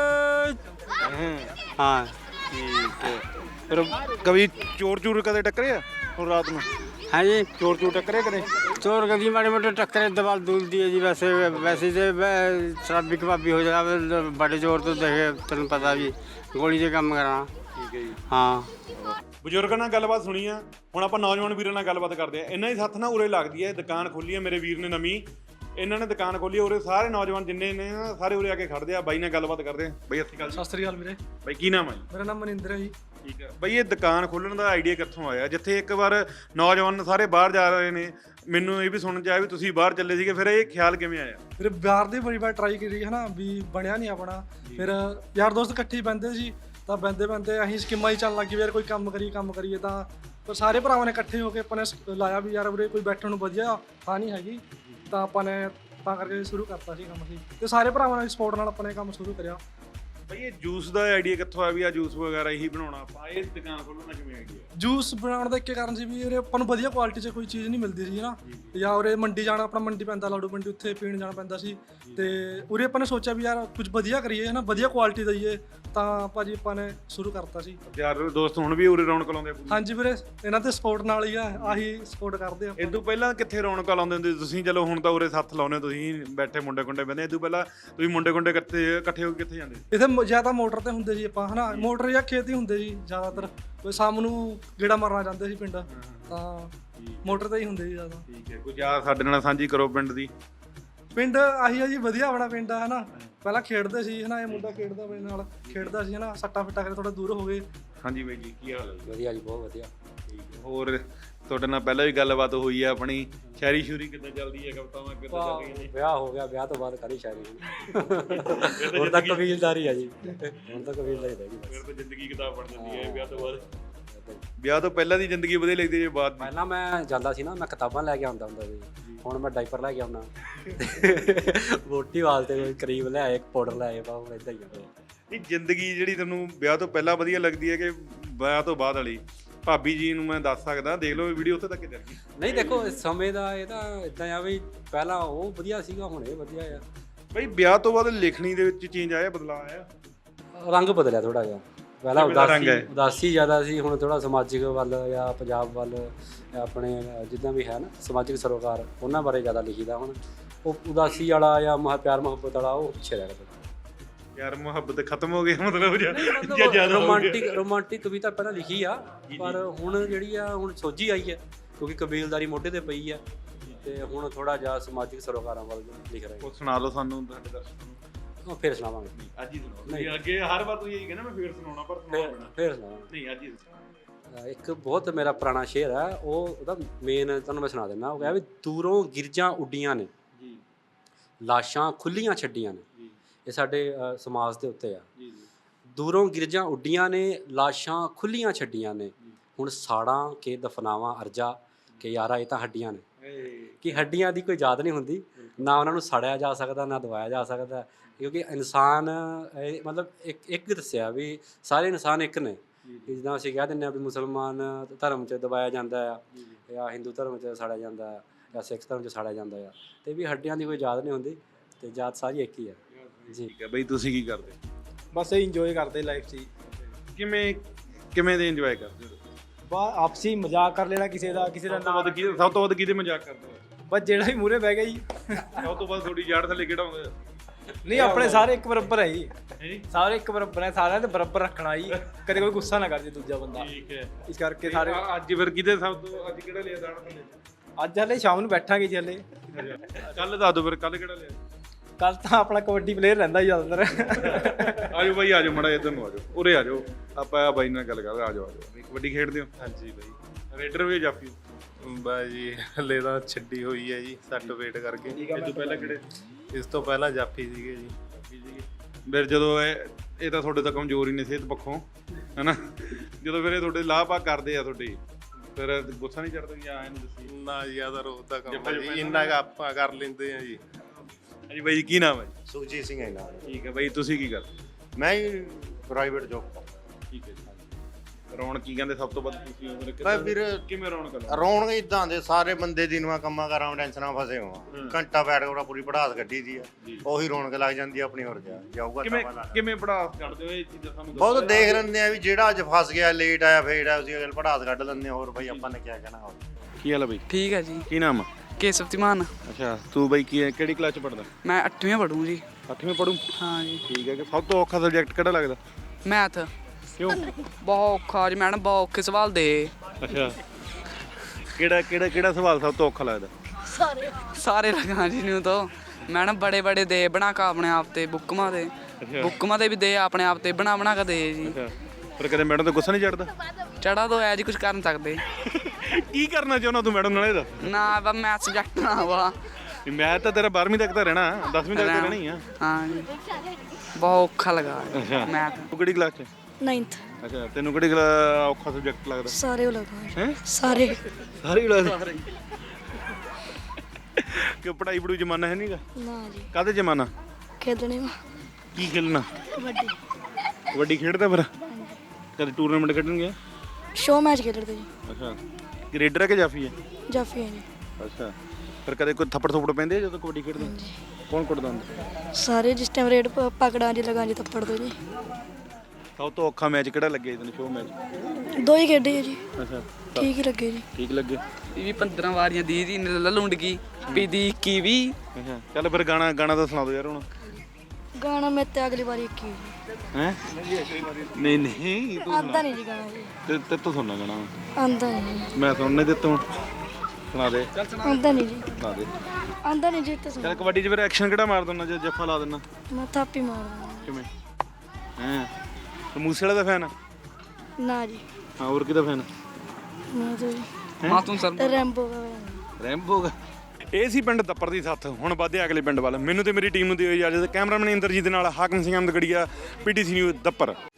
हाँ ਠੀਕ ਹੈ। ਫਿਰ ਕभी ਚੋਰ ਚੂਰ ਕਦੇ ਟੱਕਰੇ ਆ ਹੁਣ ਰਾਤ ਨੂੰ? हाँ जी। ਚੋਰ ਚੂਰ ਟੱਕਰੇ ਕਦੇ? चोर कभी माड़े मोटे टक्करे दबाल दूल दिए जी, वैसे वैसे से शराबी कबाबी हो जाए, बड़े चोर तो देखे तेन पता भी गोली से काम करना। ਠੀਕ ਹੈ ਜੀ। हाँ ਬਜ਼ੁਰਗਾਂ ਨਾਲ ਗੱਲਬਾਤ ਸੁਣੀ ਆ, ਹੁਣ ਆਪਾਂ ਨੌਜਵਾਨ ਵੀਰਾਂ ਨਾਲ ਗੱਲਬਾਤ ਕਰਦੇ ਆ। ਇਹਨਾਂ ਦੀ ਸੱਥ ਨਾ ਉਰੇ ਲੱਗਦੀ ਹੈ, ਦੁਕਾਨ ਖੋਲੀ ਹੈ ਮੇਰੇ ਵੀਰ ਨੇ ਨਵੀਂ, ਇਹਨਾਂ ਨੇ ਦੁਕਾਨ ਖੋਲੀ ਉਰੇ, ਸਾਰੇ ਨੌਜਵਾਨ ਜਿੰਨੇ ਨੇ ਨਾ ਸਾਰੇ ਉਰੇ ਆ ਕੇ ਖੜਦੇ ਆ। ਬਾਈ ਨਾਲ ਗੱਲਬਾਤ ਕਰਦੇ ਆ। ਬਾਈ ਸਤਿ ਸ਼੍ਰੀ ਅਕਾਲ। ਸਤਿ ਸ੍ਰੀ ਅਕਾਲ ਵੀਰੇ। ਬਾਈ ਕੀ ਨਾਮ ਹੈ? ਮੇਰਾ ਨਾਮ ਮਨਿੰਦਰ ਹੈ ਜੀ। ਠੀਕ ਹੈ ਬਾਈ, ਇਹ ਦੁਕਾਨ ਖੋਲਣ ਦਾ ਆਈਡੀਆ ਕਿੱਥੋਂ ਆਇਆ? ਜਿੱਥੇ ਇੱਕ ਵਾਰ ਨੌਜਵਾਨ ਸਾਰੇ ਬਾਹਰ ਜਾ ਰਹੇ ਨੇ, ਮੈਨੂੰ ਇਹ ਵੀ ਸੁਣਨ ਚ ਆਇਆ ਵੀ ਤੁਸੀਂ ਬਾਹਰ ਚੱਲੇ ਸੀਗੇ, ਫਿਰ ਇਹ ਖਿਆਲ ਕਿਵੇਂ ਆਇਆ? ਫਿਰ ਬਾਹਰ ਦੀ ਬੜੀ ਵਾਰ ਟਰਾਈ ਕਰੀ ਹੈ ਨਾ, ਵੀ ਬਣਿਆ ਨਹੀਂ ਆਪਣਾ। ਫਿਰ ਯਾਰ ਦੋਸਤ ਇਕੱਠੇ ਹੀ ਬਹਿੰਦੇ ਸੀ, ਤਾਂ ਬਹਿੰਦੇ ਬਹਿੰਦੇ ਅਸੀਂ ਸਕੀਮਾਂ ਹੀ ਚੱਲਣ ਲੱਗੀ ਵੀ ਯਾਰ ਕੋਈ ਕੰਮ ਕਰੀਏ ਕੰਮ ਕਰੀਏ। ਤਾਂ ਪਰ ਸਾਰੇ ਭਰਾਵਾਂ ਨੇ ਇਕੱਠੇ ਹੋ ਕੇ ਆਪਾਂ ਨੇ ਲਾਇਆ ਵੀ ਯਾਰ ਉਰੇ ਕੋਈ ਬੈਠਣ ਨੂੰ ਵਧੀਆ ਥਾਂ ਨਹੀਂ ਹੈਗੀ, ਤਾਂ ਆਪਾਂ ਨੇ ਤਾਂ ਕਰਕੇ ਸ਼ੁਰੂ ਕਰਤਾ ਸੀ ਕੰਮ ਅਸੀਂ, ਤੇ ਸਾਰੇ ਭਰਾਵਾਂ ਨਾਲ ਸਪੋਰਟ ਨਾਲ ਆਪਾਂ ਨੇ ਕੰਮ ਸ਼ੁਰੂ ਕਰਿਆ। ਬਾਈ ਇਹ ਜੂਸ ਦਾ ਆਈਡੀਆ ਕਿੱਥੋਂ ਆਇਆ ਵੀ ਆ ਜੂਸ ਵਗੈਰਾ ਹੀ ਬਣਾਉਣਾ ਆਪਾਂ? ਇਹ ਦੁਕਾਨ ਖੋਲ੍ਹਣ ਦਾ ਕਿਵੇਂ ਆਈਡੀਆ? ਜੂਸ ਬਣਾਉਣ ਦਾ ਇੱਕ ਕਾਰਨ ਸੀ ਵੀ ਉਰੇ ਆਪਾਂ ਨੂੰ ਵਧੀਆ ਕੁਆਲਿਟੀ 'ਚ ਕੋਈ ਚੀਜ਼ ਨਹੀਂ ਮਿਲਦੀ ਸੀ ਨਾ, ਜਾਂ ਉਰੇ ਮੰਡੀ ਜਾਣਾ, ਆਪਣਾ ਮੰਡੀ ਪੈਂਦਾ ਲਾੜੂ ਮੰਡੀ, ਉੱਥੇ ਪੀਣ ਜਾਣਾ ਪੈਂਦਾ ਸੀ। ਤੇ ਉਰੇ ਆਪਾਂ ਨੇ ਸੋਚਿਆ ਵੀ ਯਾਰ ਕੁਝ ਵਧੀਆ ਕਰੀਏ ਹੈ ਨਾ, ਵਧੀਆ ਕੁਆਲਿਟੀ ਦਈਏ, ਤਾਂ ਭਾਜੀ ਆਪਾਂ ਨੇ ਸ਼ੁਰੂ ਕਰਤਾ ਸੀ। ਯਾਰ ਦੋਸਤ ਹੁਣ ਵੀ ਉਰੇ ਰੌਣਕ ਲਾਉਂਦੇ ਆ? ਹਾਂਜੀ ਵੀਰੇ, ਇਹਨਾਂ ਤੇ ਸਪੋਰਟ ਨਾਲ ਹੀ ਆ, ਆਹੀ ਸਪੋਰਟ ਕਰਦੇ ਆ। ਇਹ ਤੋਂ ਪਹਿਲਾਂ ਕਿੱਥੇ ਰੌਣਕਾਂ ਲਾਉਂਦੇ ਹੁੰਦੇ ਤੁਸੀਂ? ਚਲੋ ਹੁਣ ਤਾਂ ਉਰੇ ਸੱਥ ਲਾਉਂਦੇ ਤੁਸੀਂ ਬੈਠੇ ਮੁੰਡੇ ਕੁੰਡੇ ਬੰਦੇ, ਇਹ ਤੋਂ ਪਹਿਲਾਂ ਤੁਸੀਂ ਮੁੰਡੇ ਕੁੰਡੇ ਇਕੱਠੇ ਇਕੱਠੇ ਹੋ ਕੇ ਕਿੱਥੇ ਜਾਂਦੇ? ਇੱਥੇ ਜ਼ਿਆਦਾ ਮੋਟਰ ਤੇ ਹੁੰਦੇ ਸੀ ਆਪਾਂ, ਹਨਾ ਮੋਟਰ ਜਾਂ ਖੇਤ ਹੀ ਹੁੰਦੇ ਸੀ ਜ਼ਿਆਦਾਤਰ, ਕੋਈ ਸ਼ਾਮ ਨੂੰ ਗੇੜਾ ਮਾਰਨਾ ਚਾਹੁੰਦੇ ਸੀ ਪਿੰਡ, ਤਾਂ ਮੋਟਰ ਤੇ ਹੀ ਹੁੰਦੇ ਸੀ ਜ਼ਿਆਦਾ। ਠੀਕ ਹੈ, ਕੋਈ ਯਾਰ ਸਾਡੇ ਨਾਲ ਸਾਂਝੀ ਕਰੋ ਪਿੰਡ ਦੀ। ਪਿੰਡ ਆਹੀ ਆ ਜੀ, ਵਧੀਆ ਆਪਣਾ ਪਿੰਡ ਆ ਹਨਾ। ਪਹਿਲਾਂ ਖੇਡਦੇ ਸੀ ਹਨਾ, ਇਹ ਮੁੰਡਾ ਖੇਡਦਾ ਮੇਰੇ ਨਾਲ, ਖੇਡਦਾ ਸੀ ਹਨਾ, ਸੱਟਾ ਫਿੱਟਾ ਕਰੇ ਥੋੜਾ ਦੂਰ ਹੋ ਗਏ। ਹਾਂਜੀ ਬਾਈ ਜੀ, ਕੀ ਹਾਲ ਹੈ? ਵਧੀਆ ਜੀ, ਬਹੁਤ ਵਧੀਆ। ਠੀਕ ਹੈ, ਹੋਰ ਤੁਹਾਡੇ ਨਾਲ ਪਹਿਲਾਂ ਵੀ ਗੱਲਬਾਤ ਹੋਈ ਆ ਆਪਣੀ, ਸ਼ਾਇਰੀ ਸ਼ੂਰੀ ਕਿੱਦਾਂ ਚੱਲਦੀ ਹੈ, ਕਵਿਤਾਵਾਂ ਕਿੱਦਾਂ ਚੱਲਦੀਆਂ ਨੇ? ਵਿਆਹ ਹੋ ਗਿਆ, ਵਿਆਹ ਤੋਂ ਬਾਅਦ ਕਰੀ ਸ਼ਾਇਰੀ, ਹੁਣ ਤਾਂ ਕਬੀਲਦਾਰੀ ਆ ਜੀ, ਹੁਣ ਤਾਂ ਕਬੀਲਦਾਰੀ ਰਹਿ ਗਈ। ਫਿਰ ਤਾਂ ਜ਼ਿੰਦਗੀ ਕਿਤਾਬ ਬਣ ਜਾਂਦੀ ਹੈ ਵਿਆਹ ਤੋਂ ਬਾਅਦ। ਵਿਆਹ ਤੋਂ ਪਹਿਲਾਂ ਦੀ ਜ਼ਿੰਦਗੀ ਵਧੀਆ ਲੱਗਦੀ ਜੇ ਬਾਅਦ? ਪਹਿਲਾਂ ਮੈਂ ਜਾਂਦਾ ਸੀ ਨਾ, ਮੈਂ ਕਿਤਾਬਾਂ ਲੈ ਕੇ ਆਉਂਦਾ ਹੁੰਦਾ ਸੀ, ਹੁਣ ਮੈਂ ਡਾਈਪਰ ਲੈ ਕੇ ਆਉਣਾ, ਵੋਟੀ ਵਾਸਤੇ ਕੋਈ ਕਰੀਬ ਲੈ ਆਏ, ਇੱਕ ਪਾਊਡਰ ਲੈ ਆਏ, ਬਾ ਹੁਣ ਇਦਾਂ ਹੀ ਆ। ਇਹ ਜ਼ਿੰਦਗੀ ਜਿਹੜੀ ਤੁਹਾਨੂੰ ਵਿਆਹ ਤੋਂ ਪਹਿਲਾਂ ਵਧੀਆ ਲੱਗਦੀ ਹੈ ਕਿ ਵਿਆਹ ਤੋਂ ਬਾਅਦ ਵਾਲੀ? ਭਾਬੀ ਜੀ ਨੂੰ ਮੈਂ ਦੱਸ ਸਕਦਾ, ਦੇਖ ਲਓ ਵੀਡੀਓ ਉੱਥੇ ਤੱਕ ਚੱਲ ਗਈ। ਨਹੀਂ ਦੇਖੋ, ਸਮੇਂ ਦਾ ਇਹ ਤਾਂ ਇਦਾਂ ਆ ਵੀ ਪਹਿਲਾਂ ਉਹ ਵਧੀਆ ਸੀਗਾ, ਹੁਣ ਇਹ ਵਧੀਆ ਆ। ਬਈ ਵਿਆਹ ਤੋਂ ਬਾਅਦ ਲਿਖਣੀ ਦੇ ਵਿੱਚ ਚੇਂਜ ਆਇਆ, ਬਦਲਾਅ ਆਇਆ? ਰੰਗ ਬਦਲਿਆ ਥੋੜਾ ਜਿਹਾ, ਪਹਿਲਾਂ ਉਦਾਸੀ ਉਦਾਸੀ ਜ਼ਿਆਦਾ ਸੀ, ਹੁਣ ਥੋੜਾ ਸਮਾਜਿਕ ਵੱਲ ਜਾਂ ਪੰਜਾਬ ਵੱਲ ਆਪਣੇ ਜਿੱਦਾਂ ਵੀ ਹੈ ਨਾ ਸਮਾਜਿਕ ਸਰੋਕਾਰ, ਉਹਨਾਂ ਬਾਰੇ ਜ਼ਿਆਦਾ ਲਿਖੀਦਾ। ਹੁਣ ਉਹ ਉਦਾਸੀ ਵਾਲਾ ਜਾਂ ਮਹਾ ਪਿਆਰ ਮੁਹੱਬਤ ਵਾਲਾ ਉਹ ਪਿੱਛੇ ਰਹਿ ਗਿਆ। ਯਾਰ ਮੁਹੱਬਤ ਖਤਮ ਹੋ ਗਈ ਮਤਲਬ ਜਾਂ ਮਤਲਬ ਜ਼ਿਆਦਾ ਰੋਮਾਂਟਿਕ ਰੋਮਾਂਟਿਕ ਕਵਿਤਾ ਪਹਿਲਾਂ ਲਿਖੀ ਆ, ਪਰ ਹੁਣ ਜਿਹੜੀ ਆ ਹੁਣ ਸੋਝੀ ਆਈ ਹੈ ਕਿਉਂਕਿ ਕਬੀਲਦਾਰੀ ਮੋਢੇ ਤੇ ਪਈ ਆ, ਤੇ ਹੁਣ ਥੋੜਾ ਜਿਹਾ ਸਮਾਜਿਕ ਸਰੋਕਾਰਾਂ ਵੱਲ ਲਿਖ ਰਹੇ ਉਹ ਸੁਣਾ ਲਓ ਸਾਨੂੰ ਸਾਡੇ ਦਰਸ਼ਕਾਂ ਨੂੰ। ਹਾਂ, ਫੇਰ ਸੁਣਾਵਾਂਗੇ। ਅੱਜ ਹੀ ਸੁਣਾਓ ਨਹੀਂ, ਅੱਗੇ ਹਰ ਵਾਰ ਤੁਸੀਂ ਇਹੀ ਕਹਿੰਦੇ ਮੈਂ ਫੇਰ ਸੁਣਾਉਣਾ, ਪਰ ਸੁਣਾਉਣਾ ਪੈਣਾ। ਫੇਰ ਸੁਣਾਵਾਂਗੇ। ਨਹੀਂ, ਅੱਜ ਹੀ ਅਹ ਇੱਕ ਬਹੁਤ ਮੇਰਾ ਪੁਰਾਣਾ ਸ਼ੇਰ ਹੈ, ਉਹ ਉਹਦਾ ਮੇਨ ਤੁਹਾਨੂੰ ਮੈਂ ਸੁਣਾ ਦਿੰਦਾ। ਉਹ ਕਹਿੰਦਾ ਵੀ ਦੂਰੋਂ ਗਿਰਜਾਂ ਉੱਡੀਆਂ ਨੇ ਜੀ, ਲਾਸ਼ਾਂ ਖੁੱਲੀਆਂ ਛੱਡੀਆਂ ਨੇ। ਜੀ ਇਹ ਸਾਡੇ ਅਹ, ਸਮਾਜ ਦੇ ਉੱਤੇ ਆ। ਜੀ ਦੂਰੋਂ ਗਿਰਜਾਂ ਉੱਡੀਆਂ ਨੇ ਲਾਸ਼ਾਂ ਖੁੱਲੀਆਂ ਛੱਡੀਆਂ ਨੇ, ਹੁਣ ਸਾੜਾਂ ਕੇ ਦਫਨਾਵਾਂ ਅਰਜਾ ਕਿ ਯਾਰਾ ਇਹ ਤਾਂ ਹੱਡੀਆਂ ਨੇ। ਕਿ ਹੱਡੀਆਂ ਦੀ ਕੋਈ ਯਾਦ ਨਹੀਂ ਹੁੰਦੀ, ਨਾ ਉਹਨਾਂ ਨੂੰ ਸਾੜਿਆ ਜਾ ਸਕਦਾ ਨਾ ਦਬਾਇਆ ਜਾ ਸਕਦਾ, ਕਿਉਂਕਿ ਇਨਸਾਨ ਇਹ ਮਤਲਬ ਇੱਕ ਇੱਕ ਦੱਸਿਆ ਵੀ ਸਾਰੇ ਇਨਸਾਨ ਇੱਕ ਨੇ। ਜਿੱਦਾਂ ਅਸੀਂ ਕਹਿ ਦਿੰਦੇ ਹਾਂ ਵੀ ਮੁਸਲਮਾਨ ਧਰਮ 'ਚ ਦਬਾਇਆ ਜਾਂਦਾ ਆ, ਜਾਂ ਹਿੰਦੂ ਧਰਮ 'ਚ ਸਾੜਿਆ ਜਾਂਦਾ ਆ, ਜਾਂ ਸਿੱਖ ਧਰਮ 'ਚ ਸਾੜਿਆ ਜਾਂਦਾ ਆ, ਤੇ ਵੀ ਹੱਡੀਆਂ ਦੀ ਕੋਈ ਯਾਦ ਨਹੀਂ ਹੁੰਦੀ, ਤੇ ਜਾਤ ਸਾਰੀ ਇੱਕ ਹੀ ਆ ਜੀ। ਠੀਕ ਹੈ ਬਈ, ਤੁਸੀਂ ਕੀ ਕਰਦੇ? ਬਸ ਇਹ ਇੰਜੋਏ ਕਰਦੇ ਲਾਈਫ 'ਚ ਜੀ। ਕਿਵੇਂ ਕਿਵੇਂ ਦੇ ਇੰਜੋਏ ਕਰਦੇ ਹੋ? ਬਸ ਆਪਸੀ ਮਜ਼ਾਕ ਕਰ ਲੈਣਾ ਕਿਸੇ ਦਾ, ਕਿਸੇ ਦਾ ਸਭ ਤੋਂ ਵੱਧ ਕੀ ਸਭ ਤੋਂ ਵੱਧ ਕਿਹਦੇ ਮਜ਼ਾਕ ਕਰਦੇ ਹੋ? ਬਸ ਜਿਹੜਾ ਵੀ ਮੂਹਰੇ ਬਹਿ ਗਿਆ ਜੀ। ਸਭ ਤੋਂ ਵੱਧ ਤੁਹਾਡੀ ਯਾਰ ਥੱਲੇ ਕਿਹੜਾ ਹੁੰਦਾ? ਨਹੀਂ, ਆਪਣੇ ਸਾਰੇ ਇੱਕ ਬਰਾਬਰ ਹੈ ਜੀ, ਸਾਰੇ ਇੱਕ ਬਰਾਬਰ ਹੈ, ਸਾਰਿਆਂ ਦੇ ਬਰਾਬਰ ਰੱਖਣਾ ਜੀ, ਕਦੇ ਕੋਈ ਗੁੱਸਾ ਨਾ ਕਰ ਜੇ ਦੂਜਾ ਬੰਦਾ। ਠੀਕ ਹੈ, ਇਸ ਕਰਕੇ ਸਾਰੇ ਅੱਜ ਫਿਰ ਕਿਹਦੇ ਸਭ ਤੋਂ ਅੱਜ ਕਿਹੜਾ ਲਿਆ ਦਾਣਾ ਥੱਲੇ? ਅੱਜ ਹਲੇ ਸ਼ਾਮ ਨੂੰ ਬੈਠਾਂਗੇ ਜੀ। ਹਲੇ ਕੱਲ ਦੱਸ ਦਿਓ ਫਿਰ, ਕੱਲ ਕਿਹੜਾ ਲਿਆ? ਕੱਲ ਤਾਂ ਆਪਣਾ ਕਬੱਡੀ ਪਲੇਅਰ ਰਹਿੰਦਾ ਜੀ ਜ਼ਿਆਦਾਤਰ। ਆਜੋ ਬਾਈ, ਆਜੋ ਮੜਾ ਇੱਧਰ ਨੂੰ ਆਜੋ, ਉਰੇ ਆਜੋ, ਆਪਾਂ ਆ ਬਾਈ ਨਾਲ ਗੱਲ ਕਰਦੇ। ਆਜੋ ਆਜੋ, ਕਬੱਡੀ ਖੇਡਦੇ ਹੋ? ਹਾਂਜੀ ਬਾਈ। ਰੇਡਰ ਵੀ ਜਾਫੀ? ਬਾਈ ਜੀ ਹਲੇ ਤਾਂ ਛੱਡੀ ਹੋਈ ਹੈ ਜੀ, ਸੱਟ ਵੇਟ ਕਰਕੇ। ਇਸ ਤੋਂ ਪਹਿਲਾਂ ਕਿਹੜੇ? ਇਸ ਤੋਂ ਪਹਿਲਾਂ ਜਾਫੀ ਸੀਗੇ ਜੀ। ਫਿਰ ਜਦੋਂ ਇਹ ਇਹ ਤਾਂ ਤੁਹਾਡੇ ਤਾਂ ਕਮਜ਼ੋਰੀ ਨੇ ਸਿਹਤ ਪੱਖੋਂ, ਹੈਨਾ, ਜਦੋਂ ਫਿਰ ਇਹ ਤੁਹਾਡੇ ਲਾਹ ਪਾ ਕਰਦੇ ਆ ਤੁਹਾਡੀ, ਫਿਰ ਗੁੱਸਾ ਨਹੀਂ ਚੜਦਾ ਕਿ ਆ ਇਹਨੂੰ ਦੱਸੀ? ਨਾ ਜ਼ਿਆਦਾ ਰੋਜ਼ ਦਾ ਕੰਮ ਹੈ ਜੀ, ਇੰਨਾ ਕੁ ਆਪਾਂ ਕਰ ਲੈਂਦੇ ਆ ਜੀ। ਹਾਂਜੀ ਬਾਈ, ਕੀ ਨਾਮ ਹੈ? ਸੁਖਜੀਤ ਸਿੰਘ ਹੈ ਨਾਮ। ਠੀਕ ਹੈ ਬਾਈ, ਤੁਸੀਂ ਕੀ ਕਰਦੇ? ਮੈਂ ਹੀ ਪ੍ਰਾਈਵੇਟ ਜੋਬ। ਠੀਕ ਹੈ ਜੀ। ਰੌਣਕ ਕੀ ਕਹਿੰਦੇ ਸਭ ਤੋਂ ਵੱਧ ਤੁਸੀਂ ਉਮਰ ਮੈਂ ਵੀਰ ਕਿਵੇਂ ਰੌਣਕ ਲਾਉਂਦੇ? ਰੌਣਕ ਇਦਾਂ ਦੇ ਸਾਰੇ ਬੰਦੇ ਦੀ ਨੂੰ ਕੰਮਾਂ ਕਰਾਂ ਟੈਨਸ਼ਨਾਂ ਫਸੇ ਹੋਆ, ਘੰਟਾ ਬੈਠ ਕੇ ਪੂਰੀ ਪੜਾਸ ਕੱਢੀ ਦੀ ਆ, ਉਹੀ ਰੌਣਕ ਲੱਗ ਜਾਂਦੀ ਆ ਆਪਣੀ। ਹੋਰ ਜਾ ਜਾਊਗਾ ਕਿਵੇਂ ਕਿਵੇਂ ਪੜਾਸ ਕੱਢਦੇ ਹੋ ਇਹ ਚੀਜ਼ਾਂ ਸਾਨੂੰ ਦੱਸੋ। ਬਹੁਤ ਦੇਖ ਲੈਂਦੇ ਆ ਵੀ ਜਿਹੜਾ ਅੱਜ ਫਸ ਗਿਆ, ਲੇਟ ਆਇਆ, ਫੇਰ ਆ, ਉਸੇ ਗੱਲ ਪੜਾਸ ਕੱਢ ਲੈਂਦੇ। ਹੋਰ ਬਾਈ ਆਪਾਂ ਨੇ ਕੀ ਕਹਿਣਾ ਹੋਰ। ਕੀ ਹਾਲ ਹੈ ਬਾਈ? ਠੀਕ ਹੈ ਜੀ। ਕੀ ਨਾਮ ਆ? ਕੇਸਵ ਧੀਮਾਨ। ਅੱਛਾ, ਤੂੰ ਬਾਈ ਕੀ ਕਿਹੜੀ ਕਲਾਸ ਚ ਪੜਦਾ? ਮੈਂ ਅੱਠਵੀਂ ਪੜ੍ਹੂ ਜੀ। ਅੱਠਵੀਂ ਪੜੂ? ਹਾਂ ਜੀ। ਠੀਕ ਹੈ। ਕਿ ਸਭ ਤੋਂ ਔਖਾ ਸਬਜੈਕਟ ਕਿਹੜਾ ਲੱਗਦਾ? ਮੈਥ। ਕਿਉਂ? ਬਹੁਤ ਔਖਾ ਜੀ ਮੈਡਮ, ਬਹੁਤ ਔਖੇ ਸਵਾਲ ਦੇ। ਅੱਛਾ, ਕਿਹੜਾ ਕਿਹੜਾ ਕਿਹੜਾ ਸਵਾਲ ਸਭ ਤੋਂ ਔਖਾ ਲੱਗਦਾ? ਸਾਰੇ ਸਾਰੇ ਲਗਾ ਜੀ ਨੂੰ ਤਾਂ ਮੈਡਮ ਬੜੇ ਬੜੇ ਦੇ ਬਣਾ ਕੇ ਆਪਣੇ ਆਪ ਤੇ ਬੁੱਕਮਾਂ ਦੇ ਬੁੱਕਮਾਂ ਦੇ ਵੀ ਦੇ ਆਪਣੇ ਆਪ ਤੇ ਬਣਾ ਬਣਾ ਕੇ ਦੇ ਜੀ। ਅੱਛਾ, ਪਰ ਕਦੇ ਮੈਡਮ ਤੇ ਗੁੱਸਾ ਨਹੀਂ ਚੜਦਾ? ਚੜਾ ਦੋ ਐ ਜੀ, ਕੁਝ ਕਰ ਨਹੀਂ ਸਕਦੇ। ਕੀ ਕਰਨਾ ਚਾਹੁੰਦਾ ਤੂੰ ਮੈਡਮ ਨਾਲ ਇਹਦਾ? ਨਾ ਵਾ ਮੈਥ ਸਬਜੈਕਟ ਨਾ ਵਾ। ਮੈਂ ਤਾਂ ਤੇਰਾ ਬਾਰਵੀਂ ਤੱਕ ਤਾਂ ਰਹਿਣਾ, ਦਸਵੀਂ ਤੱਕ ਤਾਂ ਰਹਿਣਾ ਹੀ ਆ। ਹਾਂ ਜੀ, ਬਹੁਤ ਔਖਾ ਲਗਾ ਮੈਥ। ਤੂੰ ਕਿਹੜੀ ਕਲਾਸ ਚ? ਨਾਈਨਥ। ਅੱਛਾ, ਤੈਨੂੰ ਕਿਹੜੀ ਕਲਾਸ ਔਖਾ ਸਬਜੈਕਟ ਲੱਗਦਾ? ਸਾਰੇ ਲਗਾ ਹੈ ਸਾਰੇ ਸਾਰੇ ਹੀ ਲੱਗਦੇ ਕਿ ਪੜਾਈ ਪੜੂ ਜਮਾਨਾ ਹੈ ਨਹੀਂਗਾ? ਨਾ ਜੀ। ਕਾਹਦੇ ਜਮਾਨਾ? ਖੇਡਣੇ ਵਾ। ਕੀ ਖੇਲਣਾ? ਕਬੱਡੀ। ਕਬੱਡੀ ਖੇਡਦਾ ਫਿਰ? ਕਦੇ ਟੂਰਨਾਮੈਂਟ ਖੇਡਣ ਗਿਆ? ਸ਼ੋ ਮੈਚ ਖੇਡਦੇ ਜੀ। ਅੱਛਾ, ਕਿ ਰੇਡਰ ਹੈ ਕਿ ਜਾਫੀ ਹੈ? ਜਾਫੀ ਹੈ ਜੀ। ਅੱਛਾ, ਫਿਰ ਕਦੇ ਕੋਈ ਥੱਪੜ ਥੁੱਪੜ ਪੈਂਦੇ ਜਦੋਂ ਕਬੱਡੀ ਖੇਡਦੇ? ਕੌਣ ਕੁੱਟਦਾ ਹੁੰਦਾ? ਸਾਰੇ ਜਿਸ ਟਾਈਮ ਰੇਡ ਪ- ਪਕੜਾਂ ਜੀ ਲਗਾ ਜੀ ਥੱਪੜ ਦੋ ਜੀ। ਸਭ ਤੋਂ ਔਖਾ ਮੈਚ ਕਿਹੜਾ ਲੱਗਿਆ ਤੈਨੂੰ? ਸ਼ੋ ਮੈਚ ਦੋ ਹੀ ਖੇਡੇ ਜੀ। ਅੱਛਾ, ਠੀਕ ਹੀ ਲੱਗੇ ਜੀ। ਠੀਕ ਲੱਗੇ? ਇਹ ਵੀ ਪੰਦਰਾਂ ਵਾਰੀਆਂ ਦੀ ਦੀ ਲ ਲੁੰਡਗੀ ਪੀਦੀ ਇੱਕੀ ਵੀ। ਅੱਛਾ, ਚੱਲ ਫਿਰ ਗਾਣਾ ਗਾਣਾ ਤਾਂ ਸੁਣਾ ਦਿਓ ਯਾਰ ਹੁਣ। ਗਾਣਾ ਮੈਂ ਤੇ ਅਗਲੀ ਵਾਰੀ ਕੀ ਹੈ? ਨਹੀਂ ਨਹੀਂ, ਤੂੰ ਆਂਦਾ ਨਹੀਂ ਜੀ ਗਾਣਾ ਜੀ। ਤੇ ਤੇ ਤੂੰ ਸੁਣਨਾ ਗਾਣਾ? ਆਂਦਾ ਨਹੀਂ। ਮੈਂ ਸੁਣਨੇ ਦਿੱਤਾ ਹੁਣ, ਸੁਣਾ ਦੇ। ਆਂਦਾ ਨਹੀਂ ਜੀ। ਸੁਣਾ ਦੇ। ਆਂਦਾ ਨਹੀਂ ਜੀ ਤੇ ਚੱਲ ਕਬੱਡੀ 'ਚ ਫਿਰ ਐਕਸ਼ਨ ਕਿਹੜਾ ਮਾਰ ਦਿੰਦਾ ਜੇ ਜੱਫਾ ਲਾ ਦਿੰਦਾ? ਮੈਂ ਥਾਪੀ ਮਾਰਦਾ। ਕਿਵੇਂ? ਹੈਂ, ਤੂੰ ਮੂਸੇ ਵਾਲੇ ਦਾ ਫੈਨ? ਨਾ ਜੀ। ਹਾਂ, ਹੋਰ ਕਿਹਦਾ ਫੈਨ? ਮੈਂ ਤਾਂ ਮਾਸੂਮ ਸਰ ਰੈਂਬੋ ਦਾ। ਰੈਂਬੋ ਦਾ। ਇਹ ਸੀ ਪਿੰਡ ਦੱਪਰ ਦੀ ਸੱਥ। ਹੁਣ ਵਧਦੇ ਅਗਲੇ ਪਿੰਡ ਵੱਲ। ਮੈਨੂੰ ਤੇ ਮੇਰੀ ਟੀਮ ਨੂੰ ਦਿਓ ਇਜਾਜ਼ਤ। ਕੈਮਰਾਮੈਨ ਇੰਦਰਜੀਤ ਦੇ ਨਾਲ ਹਾਕਮ ਸਿੰਘ ਅਹਿਮਦਗੜੀਆ, ਪੀਟੀਸੀ ਨਿਊਜ਼ ਦੱਪਰ।